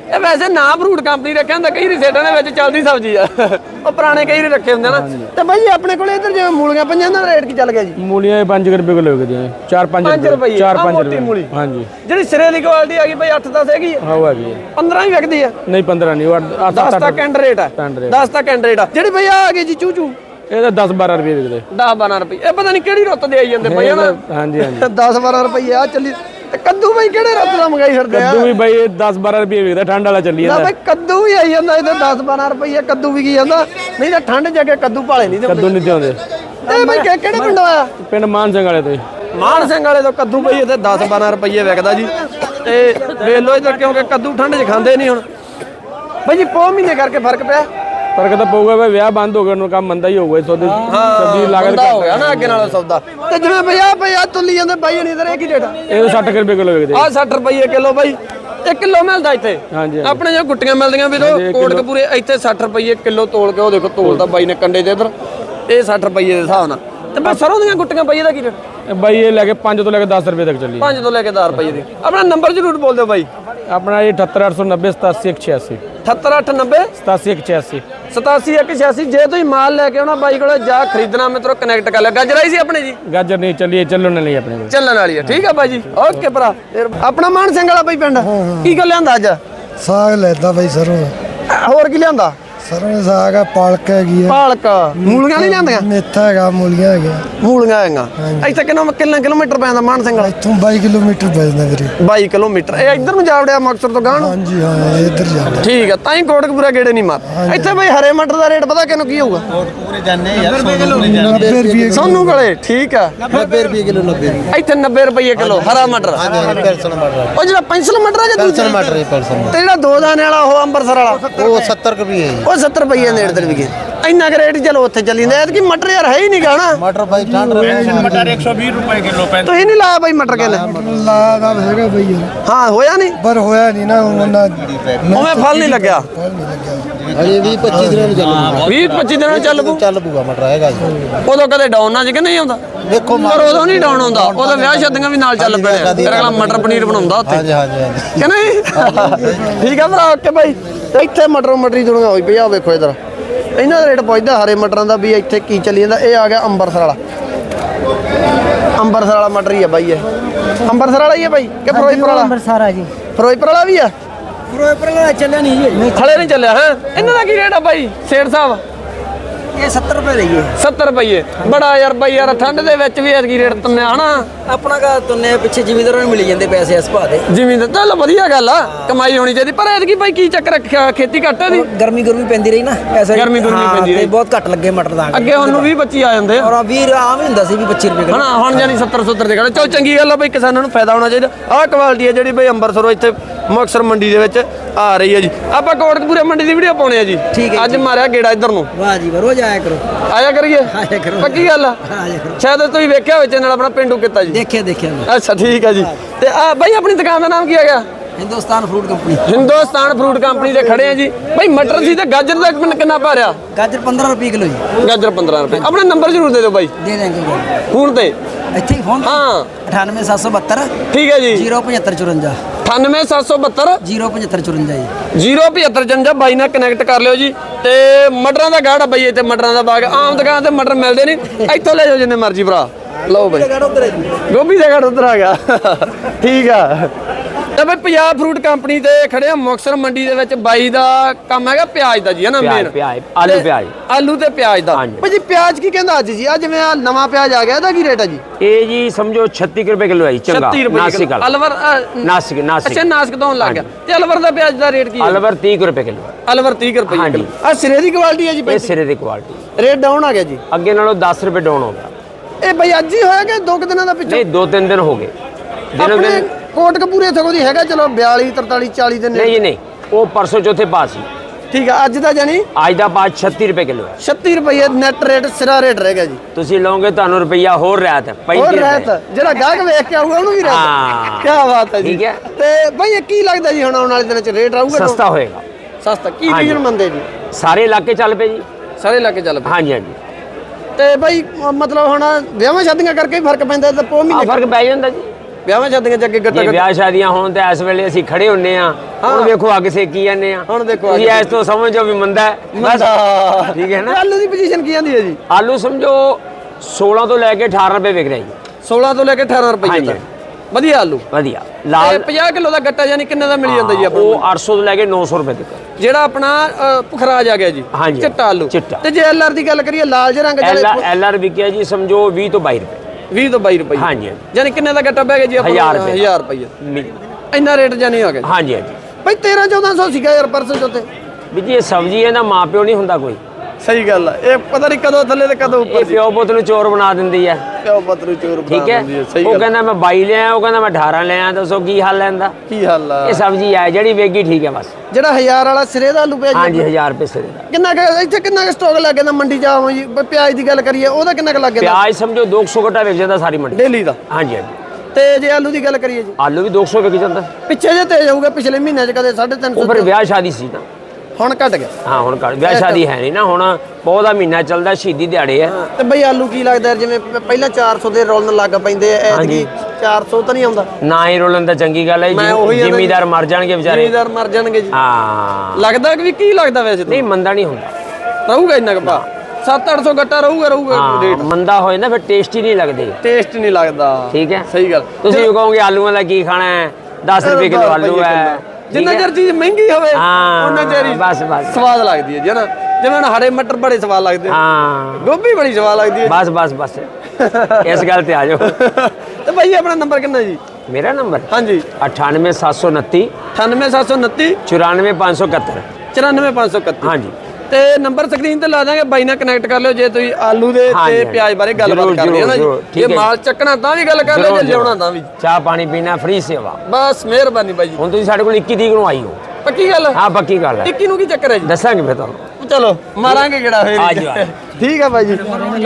Speaker 1: ਇਹ ਵੈਸੇ ਨਾ ਫਰੂਟ ਕੰਪਨੀ ਰੱਖਿਆ ਹੁੰਦਾ, ਕਈ ਰਿਸੇਟਾਂ ਦੇ ਵਿੱਚ ਚੱਲਦੀ ਸਬਜ਼ੀ ਆ ਉਹ ਪੁਰਾਣੇ ਕਈ ਰੱਖੇ ਹੁੰਦੇ ਨਾ। ਤੇ ਬਾਈ ਜੀ ਆਪਣੇ ਕੋਲੇ ਇੱਧਰ ਜਿਵੇਂ ਮੂਲੀਆਂ ਪਈਆਂ ਦਾ ਰੇਟ ਕੀ ਚੱਲ ਗਿਆ ਜੀ?
Speaker 4: ਮੂਲੀਆਂ ਪੰਜ ਰੁਪਏ ਕਿਲੋ ਵਿਕਦੀਆਂ ਚਾਰ ਪੰਜ
Speaker 1: ਪੰਜ ਰੁਪਏ
Speaker 4: ਚਾਰ
Speaker 1: ਆਹ
Speaker 4: ਪੰਜ
Speaker 1: ਮੋਟੀ
Speaker 4: ਰੁਪਏ
Speaker 1: ਮੂਲੀ।
Speaker 4: ਹਾਂਜੀ
Speaker 1: ਜਿਹੜੀ ਸਿਰੇ ਦੀ ਕੁਆਲਿਟੀ ਆ ਗਈ ਬਾਈ ਅੱਠ ਦਸ ਹੈਗੀ ਆ?
Speaker 4: ਹਾਂ ਉਹ ਹੈਗੀ ਹੈ
Speaker 1: ਪੰਦਰਾਂ ਹੀ ਵਿਕਦੀ ਆ?
Speaker 4: ਨਹੀਂ ਪੰਦਰਾਂ ਨਹੀਂ ਉਹ
Speaker 1: ਦਸ ਤੱਕ ਐਂਡ ਰੇਟ ਆ?
Speaker 4: End rate।
Speaker 1: ਦਸ ਤੱਕ ਐਂਡ ਰੇਟ ਆ। ਜਿਹੜੀ ਬਈ ਆ ਗਈ ਜੀ ਚੂਚੂ
Speaker 4: ਇਹ ਤਾਂ ਦਸ ਬਾਰਾਂ ਰੁਪਏ ਵਿਕਦੇ।
Speaker 1: ਦਸ ਬਾਰਾਂ ਰੁਪਏ ਇਹ ਪਤਾ ਨਹੀਂ ਕਿਹੜੀ ਰੁੱਤ ਦੇ ਆਈ ਜਾਂਦੇ ਪਈ ਆ ਨਾ।
Speaker 4: ਹਾਂਜੀ ਹਾਂਜੀ
Speaker 1: ਦਸ ਬਾਰਾਂ ਰੁਪਏ ਆ ਚੱਲੀ। ਤੇ ਕੱਦੂ ਬਈ ਕਿਹੜੇ ਰੁੱਤ ਦਾ ਮੰਗਾਈ ਫਿਰਦੇ ਆ?
Speaker 4: ਕੱਦੂ ਵੀ ਬਾਈ ਇਹ ਦਸ ਬਾਰਾਂ ਰੁਪਏ ਵਿਕਦਾ, ਠੰਡ ਵਾਲਾ ਚੱਲੀ
Speaker 1: ਨਾ
Speaker 4: ਜਾਂਦਾ।
Speaker 1: ਬਈ ਕੱਦੂ ਵੀ ਆਈ ਜਾਂਦਾ ਇਹਦੇ ਦਸ ਬਾਰਾਂ ਰੁਪਏ ਕੱਦੂ ਵੀ ਕੀ ਜਾਂਦਾ, ਨਹੀਂ ਤਾਂ ਠੰਡ ਜਾ ਕੇ ਕੱਦੂ ਭਾਲੇ ਨਹੀਂ
Speaker 4: ਕੱਦੂ ਨਹੀਂ ਦਿਉਂਦੇ।
Speaker 1: ਇਹ ਬਈ ਕਿ- ਕਿਹੜੇ ਪਿੰਡੋਂ ਆਇਆ?
Speaker 4: ਪਿੰਡ ਮਾਨ ਸਿੰਘ ਵਾਲੇ ਤੋਂ।
Speaker 1: ਮਾਨ ਸਿੰਘ ਵਾਲੇ ਤੋਂ ਕੱਦੂ ਬਈ ਇੱਥੇ ਦਸ ਬਾਰਾਂ ਰੁਪਏ ਵਿਕਦਾ ਜੀ। ਤੇ ਵੇਖ ਲਓ ਇੱਧਰ, ਕਿਉਂਕਿ ਕੱਦੂ ਠੰਡ 'ਚ ਖਾਂਦੇ ਨਹੀਂ ਹੁਣ ਬਈ ਜੀ। ਪੋ ਮਹੀਨੇ ਕਰਕੇ ਫਰਕ ਪਿਆ?
Speaker 4: ਫਰਕ ਤਾਂ ਪਊਗਾ ਬਈ, ਵਿਆਹ ਬੰਦ ਹੋ ਗਏ ਨੂੰ ਕੰਮ ਮੰਦਾ ਹੀ ਹੋਊਗਾ। ਸੌਦੇ ਸਬਜ਼ੀ ਲਾਗਤ
Speaker 1: ਬੰਦਾ ਹੋ ਗਿਆ ਨਾ ਅੱਗੇ ਨਾਲੋਂ ਸੌਦਾ। ਤੇ ਜਿਵੇਂ ਬਈ ਆ ਬਈ ਆ ਤੁੱਲੀ ਜਾਂਦੇ ਬਾਈ ਨਹੀਂ ਇਧਰ ਇਹ ਕੀ ਰੇਟ ਆ?
Speaker 4: ਇਹ ਸੱਠ ਰੁਪਏ ਕਿਲੋ ਵਿਕਦੇ।
Speaker 1: ਆ ਸੱਠ ਰੁਪਏ ਕਿਲੋ ਬਾਈ। ਇੱਕ ਕਿਲੋ ਮਿਲਦਾ ਇੱਥੇ?
Speaker 4: ਹਾਂਜੀ
Speaker 1: ਆਪਣੇ ਜੋ ਗੁੱਟੀਆਂ ਮਿਲਦੀਆਂ ਵੀ ਦੋ ਕੋਟਕਪੂਰੇ ਇੱਥੇ ਸੱਠ ਰੁਪਏ ਕਿਲੋ ਤੋਲ ਕੇ ਉਹ ਦੇਖੋ ਤੋਲਦਾ ਬਾਈ ਨੇ ਕੰਡੇ ਦੇ ਇਧਰ। ਇਹ ਸੱਠ ਰੁਪਏ ਦੇ ਹਿਸਾਬ ਨਾਲ। ਤੇ ਬਈ ਸਰੋਂ ਦੀਆਂ ਗੁੱਟੀਆਂ ਬਾਈ ਇਹਦਾ ਕੀ ਰੇਟ?
Speaker 4: ਬਾਈ ਇਹ ਲੈ ਕੇ ਪੰਜ ਤੋਂ ਲੈ ਕੇ ਦਸ ਰੁਪਏ ਤੱਕ ਚੱਲੀ।
Speaker 1: ਪੰਜ ਤੋਂ ਲੈ ਕੇ ਦਸ ਰੁਪਏ ਦੀ। ਆਪਣਾ ਨੰਬਰ ਜ਼ਰੂਰ ਬੋਲ ਦਿਓ ਬਾਈ।
Speaker 4: ਆਪਣਾ ਇਹ ਅਠੱਤਰ ਅੱਠ ਸੌ ਨੱਬੇ ਸਤਾਸੀ ਇੱਕ ਛਿਆਸੀ
Speaker 1: ਅਠੱਤਰ ਅੱਠ ਨੱਬੇ
Speaker 4: ਸਤਾਸੀ ਇੱਕ ਛਿਆਸੀ
Speaker 1: ਸਤਾਸੀ ਇੱਕ ਛਿਆਸੀ। ਜੇ ਤੁਸੀਂ ਮਾਲ ਲੈ ਕੇ ਆਉਣਾ ਬਾਈ ਕੋਲ ਜਾ ਖਰੀਦਣਾ ਮਿੱਤਰੋ ਕਨੈਕਟ ਕਰ ਲਿਆ। ਗਾਜਰ ਆਈ ਸੀ ਆਪਣੇ ਜੀ?
Speaker 4: ਗਾਜਰ ਨਹੀਂ ਚੱਲੀ, ਚੱਲਣ ਨਹੀਂ ਆਪਣੇ ਕੋਲ।
Speaker 1: ਚੱਲਣ ਵਾਲੀ ਆ। ਠੀਕ ਆ ਬਾਈ ਜੀ, ਓਕੇ ਭਰਾ। ਫਿਰ ਆਪਣਾ ਮਾਨ ਸਿੰਘ ਵਾਲਾ ਬਾਈ ਪਿੰਡ ਕੀ ਗੱਲ ਲਿਆਂਦਾ ਅੱਜ?
Speaker 9: ਸਾਗ ਲੈਦਾ ਬਾਈ ਸਰੋਂ ਦਾ।
Speaker 1: ਹੋਰ ਕੀ ਲਿਆਂਦਾ?
Speaker 9: ਸਰੋਂ ਦਾ ਸਾਗ ਆ, ਪਾਲਕ ਹੈਗੀ ਆ,
Speaker 1: ਪਾਲਕ। ਮੂਲੀਆਂ ਨਹੀਂ ਲਿਆਂਦੀਆਂ?
Speaker 9: ਮੇਥਾ ਹੈਗਾ, ਮੂਲੀਆਂ ਹੈਗੀਆਂ।
Speaker 1: ਮੂਲੀਆਂ ਹੈਗੀਆਂ। ਇੱਥੇ ਕਿੰਨਾ ਕਿੰਨਾ ਕਿਲੋਮੀਟਰ ਪੈਂਦਾ ਮਾਨ ਸਿੰਘ ਵਾਲਾ?
Speaker 9: ਇੱਥੋਂ ਬਾਈ ਕਿਲੋਮੀਟਰ ਪੈਂਦਾ ਵੀਰੇ।
Speaker 1: ਬਾਈ ਕਿਲੋਮੀਟਰ। ਇਹ ਇੱਧਰ ਨੂੰ ਜਾ ਵੜਿਆ ਮੁਕਤਸਰ ਤੋਂ ਗਾਂ ਨੂੰ?
Speaker 9: ਹਾਂਜੀ ਹਾਂ, ਇੱਧਰ ਜਾਂਦਾ।
Speaker 1: ਠੀਕ ਆ, ਤਾਂ ਹੀ ਕੋਟਕਪੂਰਾ ਗੇੜੇ ਨਹੀਂ ਮਾਰ। ਇੱਥੇ ਬਾਈ ਹਰੇ ਮਟਰ ਦਾ ਰੇਟ ਪਤਾ ਕਿੰਨੂੰ ਕੀ ਹੋਊਗਾ?
Speaker 9: ਨੱਬੇ ਰੁਪਏ
Speaker 1: ਸੋਨੂੰ ਕੋਲੇ। ਠੀਕ ਆ,
Speaker 9: ਨੱਬੇ ਰੁਪਏ ਕਿਲੋ। ਨੱਬੇ
Speaker 1: ਇੱਥੇ ਨੱਬੇ ਰੁਪਏ ਕਿਲੋ ਹਰਾ ਮਟਰ।
Speaker 9: ਪੈਨਸਲ ਮਟਰ।
Speaker 1: ਉਹ ਜਿਹੜਾ ਪੈਨਸਲ ਮਟਰ ਆ ਜਾਂ ਦੂਜਾ?
Speaker 9: ਮਟਰ ਹੈ ਪੈਨਸਲ।
Speaker 1: ਤੇ ਜਿਹੜਾ ਦੋ ਦਾਣੇ ਵਾਲਾ ਉਹ ਅੰਬਰਸਰ ਵਾਲਾ
Speaker 9: ਉਹ ਸੱਤਰ ਰੁਪਏ ਹੈ।
Speaker 1: ਉਹ ਸੱਤਰ ਰੁਪਏ ਨੇੜੇ ਤੇ ਵਿਕੇ। ਇੰਨਾ ਕੁ ਰੇਟ ਚਲੋ ਉੱਥੇ ਚੱਲੀ ਜਾਂਦਾ। ਐਤਕੀ ਮਟਰ ਯਾਰ ਹੈ ਹੀ ਨਹੀਂ ਗਾਣਾ।
Speaker 9: ਮਟਰ ਬਾਈ ਠੰਡ
Speaker 3: ਮਟਰ ਇੱਕ ਸੌ ਵੀਹ ਰੁਪਏ ਕਿਲੋ ਪੈਂਦਾ।
Speaker 1: ਤੁਸੀਂ ਨਹੀਂ ਲਾਇਆ ਬਾਈ ਮਟਰ ਕਿਲੇ?
Speaker 9: ਲਾ ਦਾ ਹੈਗਾ ਬਾਈ ਯਾਰ,
Speaker 1: ਹਾਂ ਹੋਇਆ ਨਹੀਂ,
Speaker 9: ਪਰ ਹੋਇਆ ਨਹੀਂ ਨਾ ਉਹਨਾਂ।
Speaker 1: ਉਵੇਂ ਫਲ ਨਹੀਂ ਲੱਗਿਆ।
Speaker 9: ਅਜੇ ਵੀਹ ਪੱਚੀ ਦਿਨਾਂ ਨੂੰ ਚੱਲੂਗਾ।
Speaker 1: ਵੀਹ ਪੱਚੀ ਦਿਨਾਂ ਚੱਲ ਪੂ।
Speaker 9: ਚੱਲ ਪੂਗਾ ਮਟਰ ਹੈਗਾ ਜੀ।
Speaker 1: ਉਦੋਂ ਕਦੇ ਡਾਊਨ ਨਾ ਜੀ ਕਿ ਨਹੀਂ ਆਉਂਦਾ?
Speaker 9: ਦੇਖੋ
Speaker 1: ਪਰ ਉਦੋਂ ਨਹੀਂ ਡਾਊਨ ਆਉਂਦਾ, ਉਦੋਂ ਵਿਆਹ ਸ਼ਾਦੀਆਂ ਵੀ ਨਾਲ ਚੱਲ ਪੈਣੇ। ਫਿਰ ਅਗਲਾ ਮਟਰ ਪਨੀਰ ਬਣਾਉਂਦਾ ਉੱਥੇ
Speaker 9: ਹਾਂਜੀ ਹਾਂਜੀ ਹਾਂਜੀ।
Speaker 1: ਕਿ ਨਹੀਂ? ਠੀਕ ਆ ਭਰਾ, ਓਕੇ ਬਾਈ। ਤੇ ਇੱਥੇ ਮਟਰ ਮਟਰੀ ਦੁਨੀਆ ਹੋਈ ਪਈ ਆ। ਵੇਖੋ ਇਧਰ ਇਹਨਾਂ ਦਾ ਰੇਟ ਪੁੱਛਦਾ ਹਰੇ ਮਟਰਾਂ ਦਾ ਵੀ ਇੱਥੇ ਕੀ ਚੱਲੀ ਜਾਂਦਾ। ਇਹ ਆ ਗਿਆ ਅੰਬਰਸਰ ਵਾਲਾ। ਅੰਬਰਸਰ ਵਾਲਾ ਮਟਰ ਹੀ ਆ ਬਾਈ। ਇਹ ਅੰਬਰਸਰ ਵਾਲਾ ਹੀ ਆ ਬਾਈ ਕਿ ਫਿਰੋਜ਼ਪੁਰ ਵਾਲਾ?
Speaker 7: ਅੰਮ੍ਰਿਤਸਰ ਆ ਜੀ।
Speaker 1: ਫਿਰੋਜ਼ਪੁਰ ਵਾਲਾ ਵੀ ਆ?
Speaker 7: ਫਿਰੋਜ਼ਪੁਰ ਵਾਲਾ ਚੱਲਿਆ ਨਹੀਂ ਜੀ।
Speaker 1: ਖੜੇ ਨਹੀਂ ਚੱਲਿਆ ਹੈ। ਇਹਨਾਂ ਦਾ ਕੀ ਰੇਟ ਆ ਬਾਈ ਸੇਠ ਸਾਹਿਬ?
Speaker 7: ਇਹ ਸੱਤਰ ਰੁਪਏ ਲਈਏ।
Speaker 1: ਸੱਤਰ ਰੁਪਏ। ਬੜਾ ਯਾਰ ਬਾਈ ਯਾਰ ਠੰਡ ਦੇ ਵਿੱਚ ਵੀ ਐਤਕੀ ਰੇਟ ਤੰਨਿਆ ਹਨਾ।
Speaker 7: ਆਪਣਾ ਕਾ ਤੁੰਨੇ ਪਿੱਛੇ ਜ਼ਿਮੀਂਦਾਰਾਂ ਨੂੰ ਮਿਲੀ ਜਾਂਦੇ ਪੈਸੇ ਇਸ ਭਾਅ ਦੇ।
Speaker 1: ਜਿਵੇਂ ਤਾਂ ਚੱਲ ਵਧੀਆ ਗੱਲ ਆ, ਕਮਾਈ ਹੋਣੀ ਚਾਹੀਦੀ। ਪਰ ਐਤਕੀ ਬਾਈ ਕੀ ਚੱਕਰ ਰੱਖਿਆ? ਖੇਤੀ ਘੱਟ ਆ ਦੀ?
Speaker 7: ਗਰਮੀ ਗੁਰਮੀ ਪੈਂਦੀ ਰਹੀ ਨਾ ਪੈਸੇ।
Speaker 1: ਗਰਮੀ ਗੁਰਮੀ
Speaker 7: ਹਾਂ,
Speaker 1: ਪੈਂਦੀ
Speaker 7: ਤੇ
Speaker 1: ਰਹੀ।
Speaker 7: ਬਹੁਤ ਘੱਟ ਲੱਗੇ ਮਟਰ ਦਾ।
Speaker 1: ਅੱਗੇ ਹੁਣ ਨੂੰ ਵੀਹ ਪੱਚੀ ਆ ਜਾਂਦੇ ਆ।
Speaker 7: ਔਰ ਵੀਹ ਆਮ ਹੀ ਹੁੰਦਾ ਸੀ ਵੀ ਪੱਚੀ ਰੁਪਏ ਕਿਲੋ।
Speaker 1: ਹਨਾ ਹੁਣ ਜਾਨੀ ਸੱਤਰ ਸੱਤਰ ਦੇ ਖੜੇ। ਚਲ ਚੰਗੀ ਗੱਲ ਆ ਬਈ, ਕਿਸਾਨਾਂ ਨੂੰ ਫਾਇਦਾ ਹੋਣਾ ਚਾਹੀਦਾ। ਆਹ ਕੁਆਲਿਟੀ ਆ ਜਿਹੜੀ ਬਈ ਅੰਮ੍ਰਿਤਸਰੋਂ ਇੱਥੇ ਮੁਕਤਸਰ ਮੰਡੀ ਦੇ ਵਿੱਚ ਆ ਰਹੀ ਹੈ ਜੀ। ਆਪਾਂ ਕੋਟਕਪੂਰੇ ਮੰਡੀ ਦੀ ਵੀਡੀਓ ਪਾਉਣੇ ਆ ਜੀ।
Speaker 7: ਠੀਕ ਹੈ
Speaker 1: ਅੱਜ ਮਾਰਿਆ ਗੇੜਾ ਇੱਧਰ ਨੂੰ।
Speaker 7: ਵਾਹ ਜੀ ਵਾਹ, ਰੋਜ਼ ਆਇਆ ਕਰੋ।
Speaker 1: ਆਇਆ ਕਰੀਏ,
Speaker 7: ਆਇਆ ਕਰੋ।
Speaker 1: ਪੱਕੀ ਗੱਲ ਆ।
Speaker 7: ਆਇਆ ਕਰੋ।
Speaker 1: ਸ਼ਾਇਦ ਤੁਸੀਂ ਵੇਖਿਆ ਹੋਵੇ ਚੈਨਲ ਆਪਣਾ ਪਿੰਡੂ ਕੀਤਾ ਜੀ।
Speaker 7: ਦੇਖਿਆ ਦੇਖਿਆ ਮੈਂ।
Speaker 1: ਅੱਛਾ ਠੀਕ ਹੈ ਜੀ। ਤੇ ਆ ਬਾਈ ਆਪਣੀ ਦੁਕਾਨ ਦਾ ਨਾਮ ਕੀ ਹੈਗਾ?
Speaker 7: Hindustan fruit company.
Speaker 1: Hindustan fruit company ਦੇ ਖੜੇ ਆ ਜੀ। ਬਾਈ ਮਟਰ ਸੀ ਤੇ ਗਾਜਰ ਦਾ ਕਿੰਨਾ ਪਾ ਰਿਹਾ?
Speaker 7: ਗਾਜਰ ਪੰਦਰਾਂ ਰੁਪਏ ਕਿਲੋ ਜੀ।
Speaker 1: ਗਾਜਰ ਪੰਦਰਾਂ ਰੁਪਏ। ਆਪਣਾ ਨੰਬਰ ਜ਼ਰੂਰ ਦੇ ਦਿਓ ਬਾਈ
Speaker 7: ਦੇ ਦੇਂਗੇ ਜੀ।
Speaker 1: ਫੋਨ ਤੇ।
Speaker 7: ਇੱਥੇ ਹੀ ਫੋਨ
Speaker 1: ਹਾਂ
Speaker 7: ਅਠਾਨਵੇਂ ਸੱਤ ਸੌ ਬਹੱਤਰ
Speaker 1: ਠੀਕ ਹੈ ਜੀ।
Speaker 7: ਜ਼ੀਰੋ ਪਝੱਤਰ ਚੁਰੰਜਾ
Speaker 1: ਅਠਾਨਵੇਂ ਸੱਤ ਸੌ ਬਹੱਤਰ
Speaker 7: ਜ਼ੀਰੋ ਪਝੱਤਰ ਚੁਰੰਜਾ ਜੀ।
Speaker 1: ਜ਼ੀਰੋ ਪਝੱਤਰ ਚੁਰੰਜਾ ਬਾਈ ਨਾਲ ਕਨੈਕਟ ਕਰ ਲਿਓ ਜੀ। ਤੇ ਮਟਰਾਂ ਦਾ ਗਾੜਾ ਬਾਈ ਇੱਥੇ ਮਟਰਾਂ ਦਾ ਬਾਗ। ਆਮ ਦੁਕਾਨ ਤੇ ਮਟਰ ਮਿਲਦੇ ਨਹੀਂ, ਇੱਥੋਂ ਲੈ ਜਾਓ ਜਿੰਨੇ ਮਰਜ਼ੀ ਭਰਾ। ਲਓ ਬਾਈ ਗੋਭੀ ਦਾ ਗਾੜਾ ਉੱਧਰ ਆ ਗਿਆ। ਠੀਕ ਆ। ਤੇ ਬਈ ਪੰਜਾਬ ਫਰੂਟ ਕੰਪਨੀ ਤੇ ਖੜੇ ਆ ਮੁਕਤਸਰ ਮੰਡੀ ਦੇ ਵਿੱਚ। ਬਾਈ ਦਾ ਕੰਮ ਹੈਗਾ ਪਿਆਜ਼ ਦਾ ਜੀ, ਹੈ ਨਾ? ਮੇਨ
Speaker 5: ਪਿਆਜ਼, ਆਲੂ ਪਿਆਜ਼।
Speaker 1: ਆਲੂ ਤੇ ਪਿਆਜ਼ ਦਾ। ਭਾਈ ਜੀ ਪਿਆਜ਼ ਕੀ ਕਹਿੰਦਾ ਅੱਜ ਜੀ? ਆ ਜਿਵੇਂ ਆ ਨਵਾਂ ਪਿਆਜ਼ ਆ ਗਿਆ, ਇਹਦਾ ਕੀ ਰੇਟ ਹੈ ਜੀ?
Speaker 5: ਇਹ ਜੀ ਸਮਝੋ ਛੱਤੀ ਰੁਪਏ ਕਿਲੋ ਹੈ ਜੀ। ਚੰਗਾ
Speaker 1: ਛੱਤੀ ਰੁਪਏ
Speaker 5: ਨਾਸਿਕ ਵਾਲਾ।
Speaker 1: ਅਲਵਰ ਅ,
Speaker 5: ਨਾਸਿਕ ਨਾਸਿਕ
Speaker 1: ਅੱਛਾ ਨਾਸਿਕ ਤੋਂ ਲੱਗ ਗਿਆ। ਤੇ ਅਲਵਰ ਦਾ ਪਿਆਜ਼ ਦਾ ਰੇਟ ਕੀ ਹੈ?
Speaker 5: ਅਲਵਰ ਤੀਹ ਰੁਪਏ ਕਿਲੋ।
Speaker 1: ਅਲਵਰ ਤੀਹ ਰੁਪਏ
Speaker 5: ਹਾਂਜੀ।
Speaker 1: ਕਿਲੋ। ਆ ਸਿਰੇ ਦੀ ਕੁਆਲਿਟੀ ਹੈ ਜੀ
Speaker 5: ਇਹ
Speaker 1: ਬਾਈ?
Speaker 5: ਸਿਰੇ ਦੀ ਕੁਆਲਿਟੀ।
Speaker 1: ਰੇਟ ਡਾਊਨ ਆ ਗਿਆ ਜੀ।
Speaker 5: ਅੱਗੇ ਨਾਲੋਂ ਦਸ ਰੁਪਏ ਡਾਊਨ ਹੋ ਗਿਆ।
Speaker 1: ਇਹ ਬਈ ਅੱਜ ਹੀ ਹੋਇਆ ਕਿ ਦੋ ਕੁ ਦਿਨਾਂ ਦਾ ਪਿੱਛੇ?
Speaker 5: ਨਹੀਂ ਦੋ ਤਿੰਨ ਦਿਨ ਹੋ ਗਏ। ਦਿਨੋਂ
Speaker 1: ਆਪਣੇ
Speaker 5: ਦਿਨ
Speaker 1: ਕੋਟਕਪੂਰੇ ਇੱਥੇ ਕੋਈ ਹੈਗਾ ਚਲੋ ਬਿਆਲੀ ਤਰਤਾਲੀ ਚਾਲੀ ਦਿਨ।
Speaker 5: ਨਹੀਂ ਜੀ ਨਹੀਂ, ਉਹ ਪਰਸੋਂ ਚੌਥੇ ਪਾਸ ਸੀ।
Speaker 1: ਠੀਕ ਆ। ਅੱਜ ਦਾ ਜਾਨੀ
Speaker 5: ਅੱਜ ਦਾ ਪਾਸ ਛੱਤੀ ਰੁਪਏ ਕਿਲੋ ਹੈ।
Speaker 1: ਛੱਤੀ ਰੁਪਏ ਨੈਟ ਰੇਟ ਸਿਰਾ ਰੇਟ ਰਹੇਗਾ ਜੀ।
Speaker 5: ਤੁਸੀਂ ਲਓਗੇ ਤੁਹਾਨੂੰ ਰੁਪਈਆ ਹੋਰ ਰਹਿਤ
Speaker 1: ਹੋਰ
Speaker 5: ਪੈਂਤੀ
Speaker 1: ਰਹਿਤ
Speaker 5: ਰੁਪਏ।
Speaker 1: ਜਿਹੜਾ ਗਾਹਕ ਵੇਖ ਕੇ ਆਊਗਾ ਉਹਨੂੰ ਵੀ ਰਹਿਤ।
Speaker 5: ਹਾਂ।
Speaker 1: ਕੀ ਬਾਤ ਹੈ ਜੀ।
Speaker 5: ਠੀਕ ਹੈ।
Speaker 1: ਤੇ ਬਈ ਇਹ ਕੀ ਲੱਗਦਾ ਜੀ ਹੁਣ ਆਉਣ ਵਾਲੇ ਦਿਨਾਂ ਚ ਰੇਟ ਆਊਗਾ?
Speaker 5: ਸਸਤਾ ਹੋਏਗਾ।
Speaker 1: ਸਸਤਾ ਕੀ
Speaker 5: ਹਾਂਜੀ।
Speaker 1: ਰੀਜਨ ਮੰਨਦੇ ਜੀ?
Speaker 5: ਸਾਰੇ ਇਲਾਕੇ ਚੱਲ ਪਏ ਜੀ।
Speaker 1: ਸਾਰੇ ਇਲਾਕੇ ਚੱਲ ਪਏ।
Speaker 5: ਹਾਂਜੀ ਹਾਂਜੀ।
Speaker 1: ਤੇ ਬਈ ਮਤਲਬ ਹੁਣ ਵਿਆਹਾਂ ਸ਼ਾਦੀਆਂ ਕਰਕੇ ਹੀ ਫਰਕ ਪੈਂਦਾ ਤੇ ਪੋ
Speaker 5: ਆ
Speaker 1: ਮਹੀਨੇ
Speaker 5: ਫਰਕ ਪੈ ਜਾਂਦਾ ਜੀ।
Speaker 1: ਵਿਆਹਾਂ ਸ਼ਾਦੀਆਂ ਚ ਅੱਗੇ ਗੱਟਾ
Speaker 5: ਜੇ ਵਿਆਹ ਸ਼ਾਦੀਆਂ ਹੋਣ ਤੇ ਇਸ ਵੇਲੇ ਅਸੀਂ ਖੜੇ ਹੁੰਨੇ ਆ ਹੁਣ ਵੇਖੋ ਅੱਗ ਸੇਕੀ ਜਾਂਦੇ ਆ
Speaker 1: ਹੁਣ ਦੇਖੋ
Speaker 5: ਤੁਸੀਂ ਇਸ ਤੋਂ ਸਮਝੋ ਵੀ ਮੰਦਾ ਹੈ ਬਸ ਠੀਕ ਹੈ ਨਾ।
Speaker 1: ਆਲੂ ਦੀ ਪੋਜੀਸ਼ਨ ਕੀ ਆਂਦੀ ਹੈ ਜੀ?
Speaker 5: ਆਲੂ ਸਮਝੋ ਸੋਲਾਂ ਤੋਂ ਲੈ ਕੇ ਅਠਾਰਾਂ ਰੁਪਏ ਵਿਕ ਰਿਹਾ ਜੀ।
Speaker 1: ਸੋਲਾਂ ਤੋਂ ਲੈ ਕੇ ਅਠਾਰਾਂ ਰੁਪਏ
Speaker 5: ਹਾਂਜੀ।
Speaker 1: ਤੱਕ ਵਧੀਆ ਆਲੂ।
Speaker 5: ਵਧੀਆ
Speaker 1: ਤੇ
Speaker 5: ਲਾਲ
Speaker 1: ਪੰਜਾਹ ਕਿਲੋ ਦਾ ਗੱਟਾ ਯਾਨੀ ਕਿੰਨੇ ਦਾ ਮਿਲ ਜਾਂਦਾ ਜੀ ਆਪਾਂ
Speaker 5: ਉਹ ਅੱਠ ਸੌ ਤੋਂ ਲੈ ਕੇ ਨੌ ਸੌ ਰੁਪਏ ਤੱਕ।
Speaker 1: ਜਿਹੜਾ ਆਪਣਾ ਅ, ਪੁਖਰਾਜ ਆ ਗਿਆ ਜੀ
Speaker 5: ਹਾਂਜੀ।
Speaker 1: ਚਿੱਟਾ ਆਲੂ
Speaker 5: ਚਿੱਟਾ।
Speaker 1: ਤੇ ਜੇ ਐਲ ਆਰ ਦੀ ਗੱਲ ਕਰੀਏ ਲਾਲ ਜਿਹੇ ਰੰਗ
Speaker 5: ਐਲ
Speaker 1: ਜਿਹੜੇ
Speaker 5: ਐਲ ਆਰ ਵਿਕਿਆ ਜੀ ਸਮਝੋ ਵੀਹ ਤੋਂ ਬਾਈ ਰੁਪਏ।
Speaker 1: ਵੀਹ ਤੋਂ ਬਾਈ ਰੁਪਏ
Speaker 5: ਹਾਂਜੀ ਹਾਂਜੀ
Speaker 1: ਯਾਨੀ ਕਿੰਨੇ ਦਾ ਗੱਟਾ ਪੈ ਗਿਆ ਜੀ ਆਪਾਂ
Speaker 5: ਹਜ਼ਾਰ ਰੁਪਏ।
Speaker 1: ਹਜ਼ਾਰ ਰੁਪਏ
Speaker 5: ਮੀ-
Speaker 1: ਇੰਨਾ ਰੇਟ ਜਾਨੀ ਹੋ ਗਿਆ ਜੀ।
Speaker 5: ਹਾਂਜੀ ਹਾਂਜੀ
Speaker 1: ਭਾਈ ਤੇਰਾਂ ਚੌਦਾਂ ਸੌ ਸੀਗਾ ਯਾਰ ਪਰਸਨ ਚੋਤੇ।
Speaker 5: ਵੀ ਜੀ ਇਹ ਸਬਜ਼ੀ ਹੈ ਨਾ ਮਾਂ ਪਿਓ ਨਹੀਂ ਹੁੰਦਾ ਕੋਈ।
Speaker 1: ਸਹੀ ਗੱਲ ਆ ਇਹ ਪਤਾ ਨਹੀਂ ਕਦੋਂ ਥੱਲੇ ਤੇ ਕਦੋਂ ਉੱਪਰ
Speaker 5: ਇਹ ਪਿਓ ਪੁੱਤ ਨੂੰ ਚੋਰ ਬਣਾ ਦਿੰਦੀ ਹੈ
Speaker 1: ਪਿਓ ਪੁੱਤ ਨੂੰ ਚੋਰ ਬਣਾ
Speaker 5: ਠੀਕ ਹੈ।
Speaker 1: ਦਿੰਦੀ ਹੈ। ਸਹੀ
Speaker 5: ਉਹ
Speaker 1: ਗੱਲ
Speaker 5: ਕਹਿੰਦਾ ਮੈਂ ਬਾਈ ਲਿਆ ਉਹ ਕਹਿੰਦਾ ਮੈਂ ਅਠਾਰਾਂ ਲਿਆ ਦੱਸੋ ਕੀ ਹੱਲ ਲੈਂਦਾ।
Speaker 1: ਕੀ ਹਾਲ ਆ
Speaker 5: ਇਹ ਸਬਜ਼ੀ ਹੈ ਜਿਹੜੀ ਵੇਗੀ ਠੀਕ ਹੈ ਬਸ।
Speaker 1: ਜਿਹੜਾ ਹਜ਼ਾਰ ਵਾਲਾ ਸਿਰੇ ਦਾ ਆਲੂ ਪਿਆ ਜੀ
Speaker 5: ਹਾਂਜੀ ਹਜ਼ਾਰ ਰੁਪਏ ਸਿਰੇ ਦਾ।
Speaker 1: ਕਿੰਨਾ ਕੁ ਇੱਥੇ ਕਿੰਨਾ ਕੁ ਸਟਾਕ ਲੱਗ ਜਾਂਦਾ ਮੰਡੀ ਚ ਆਵਾਂ ਜੀ ਪ- ਪਿਆਜ਼ ਦੀ ਗੱਲ ਕਰੀਏ ਉਹਦਾ ਕਿੰਨਾ ਕੁ ਲੱਗ ਜਾਂਦਾ
Speaker 5: ਪਿਆਜ਼ ਸਮਝੋ ਦੋ ਸੌ ਘਟਾ ਵਿਕ ਜਾਂਦਾ ਸਾਰੀ ਮੰਡੀ।
Speaker 1: ਡੇਲੀ ਦਾ?
Speaker 5: ਹਾਂਜੀ ਹਾਂਜੀ।
Speaker 1: ਤੇ ਜੇ ਆਲੂ ਦੀ ਗੱਲ ਕਰੀਏ ਜੀ
Speaker 5: ਆਲੂ ਵੀ ਦੋ ਸੌ ਵਿਕ ਜਾਂਦਾ।
Speaker 1: ਪਿੱਛੇ ਜੇ ਤੇਜ਼ ਹੋਊਗਾ ਪਿਛਲੇ ਮਹੀਨੇ ਚ ਕਦੇ ਸਾਢੇ ਤਿੰਨ
Speaker 5: ਉਹ
Speaker 1: ਸੌ
Speaker 5: ਫਿਰ ਵਿਆਹ ਸ਼ਾਦੀ ਸੀ ਨਾ।
Speaker 1: ਹੁਣ ਘਟ ਗਿਆ।
Speaker 5: ਹਾਂ ਹੁਣ ਕਰ ਵਿਆਹ ਸ਼ਾਦੀ ਹੈ ਨਹੀਂ ਨਾ ਹੁਣ ਬਹੁਤ ਦਾ ਮਹੀਨਾ ਚੱਲਦਾ ਸ਼ਹੀਦੀ ਦਿਹਾੜੇ ਹੈ।
Speaker 1: ਤੇ ਬਈ ਆਲੂ ਕੀ ਲੱਗਦਾ ਯਾਰ ਜਿਵੇਂ ਪ- ਪਹਿਲਾਂ ਚਾਰ ਸੌ ਦੇ ਰੋਲਣ ਲੱਗ ਪੈਂਦੇ ਐ ਐਤਕੀ ਚਾਰ ਸੌ ਤਾਂ ਨਹੀਂ ਆਉਂਦਾ?
Speaker 5: ਨਾ ਹੀ ਰੋਲਣ ਤਾਂ ਚੰਗੀ ਗੱਲ ਹੈ
Speaker 1: ਮੈਂ ਉਹੀ ਆ ਨਾ-
Speaker 5: ਜ਼ਿਮੀਦਾਰ ਮਰ ਜਾਣਗੇ ਵਿਚਾਰੇ।
Speaker 1: ਜ਼ਿਮੀਦਾਰ ਮਰ ਜਾਣਗੇ ਜੀ।
Speaker 5: ਹਾਂ
Speaker 1: ਲੱਗਦਾ ਕਿ ਵੀ ਕੀ ਲੱਗਦਾ ਵੈਸੇ
Speaker 5: ਨਹੀਂ ਮੰਦਾ ਨਹੀਂ ਹੁੰਦਾ।
Speaker 1: ਰਹੂਗਾ ਇੰਨਾ ਕੁ ਭਾ ਸੱਤ ਅੱਠ ਸੌ ਗੱਟਾ ਰਹੂਗਾ ਰਹੂਗਾ
Speaker 5: ਹਾਂ
Speaker 1: ਰੇਟ
Speaker 5: ਮੰਦਾ ਹੋਏ ਨਾ ਫਿਰ ਟੇਸਟੀ ਨਹੀਂ ਲੱਗਦੇ।
Speaker 1: ਟੇਸਟ ਨਹੀਂ ਲੱਗਦਾ।
Speaker 5: ਠੀਕ ਹੈ
Speaker 1: ਸਹੀ ਗੱਲ।
Speaker 5: ਤੁਸੀਂ ਕਹੋਗੇ ਆਲੂਆਂ ਦਾ ਕੀ ਖਾਣਾ ਹੈ ਦਸ ਰੁਪਏ ਕਿਲੋ ਆਲੂ ਹੈ।
Speaker 1: ਜਿੰਨਾ
Speaker 5: ਠੀਕ ਹੈ?
Speaker 1: ਚਿਰ ਚੀਜ਼ ਮਹਿੰਗੀ ਹੋਵੇ
Speaker 5: ਹਾਂ,
Speaker 1: ਉਹਨਾਂ ਚਿਰ ਹੀ
Speaker 5: ਬਸ, ਬਸ।
Speaker 1: ਸਵਾਦ ਲੱਗਦੀ ਹੈ ਜੀ ਨਾ। ਜਿਵੇਂ ਹੁਣ ਹਰੇ ਮਟਰ ਬੜੇ ਸਵਾਦ ਲੱਗਦੇ ਆ।
Speaker 5: ਹਾਂ
Speaker 1: ਗੋਭੀ ਬੜੀ ਸਵਾਦ ਲੱਗਦੀ ਹੈ
Speaker 5: ਬਸ ਬਸ ਬਸ ਇਸ ਗੱਲ ਤੇ ਆ ਜਾਓ।
Speaker 1: ਤੇ ਭਾਈ ਆਪਣਾ ਨੰਬਰ ਕਿੰਨਾ ਜੀ?
Speaker 5: ਮੇਰਾ ਨੰਬਰ
Speaker 1: ਹਾਂਜੀ
Speaker 5: ਅਠਾਨਵੇਂ ਸੱਤ ਸੌ ਉਨੱਤੀ
Speaker 1: ਅਠਾਨਵੇਂ ਸੱਤ ਸੌ ਉਨੱਤੀ
Speaker 5: ਚੁਰਾਨਵੇਂ ਪੰਜ ਸੌ ਇਕਹੱਤਰ।
Speaker 1: ਚੁਰਾਨਵੇਂ ਪੰਜ ਸੌ ਇਕੱਤੀ।
Speaker 5: ਹਾਂਜੀ
Speaker 1: ਤੇ ਨੰਬਰ ਸਕਰੀਨ ਤੇ ਲਾ ਦਾਂਗੇ ਬਾਈ ਨਾਲ ਕਨੈਕਟ ਕਰ ਲਿਓ ਜੇ ਤੁਸੀਂ ਆਲੂ ਦੇ
Speaker 5: ਹਾਂਜੀ,
Speaker 1: ਤੇ
Speaker 5: ਹਾਂਜੀ।
Speaker 1: ਪਿਆਜ਼ ਬਾਰੇ ਗੱਲਬਾਤ
Speaker 5: ਜ਼ਰੂਰ,
Speaker 1: ਕਰਨੀ ਹੈ ਨਾ
Speaker 5: ਜ਼ਰੂਰ,
Speaker 1: ਜੀ।
Speaker 5: ਠੀਕ
Speaker 1: ਜੇ
Speaker 5: ਹੈ
Speaker 1: ਮਾਲ ਚੱਕਣਾ ਤਾਂ ਵੀ ਗੱਲ ਕਰ ਲਿਓ
Speaker 5: ਜ਼ਰੂਰ,
Speaker 1: ਜੇ ਲਿਆਉਣਾ ਤਾਂ ਵੀ।
Speaker 5: ਚਾਹ ਪਾਣੀ ਪੀਣਾ ਫ੍ਰੀ ਸੇਵਾ।
Speaker 1: ਬਸ ਮਿਹਰਬਾਨੀ ਬਾਈ ਜੀ।
Speaker 5: ਹੁਣ ਤੁਸੀਂ ਸਾਡੇ ਕੋਲ ਇੱਕੀ ਤਰੀਕ ਨੂੰ ਆਈ ਹੋ।
Speaker 1: ਪੱਕੀ ਗੱਲ
Speaker 5: ਹਾਂ ਪੱਕੀ ਗੱਲ ਹੈ
Speaker 1: ਇੱਕੀ ਨੂੰ ਕੀ ਚੱਕਰ ਹੈ ਜੀ?
Speaker 5: ਦੱਸਾਂਗੇ ਫਿਰ ਤੁਹਾਨੂੰ।
Speaker 1: ਚਲੋ ਮਾਰਾਂਗੇ ਕਿਹੜਾ
Speaker 5: ਆ
Speaker 1: ਫੇਰ
Speaker 5: ਜਾਓ, ਆ ਜਾਓ।
Speaker 1: ਠੀਕ ਹੈ ਬਾਈ ਜੀ।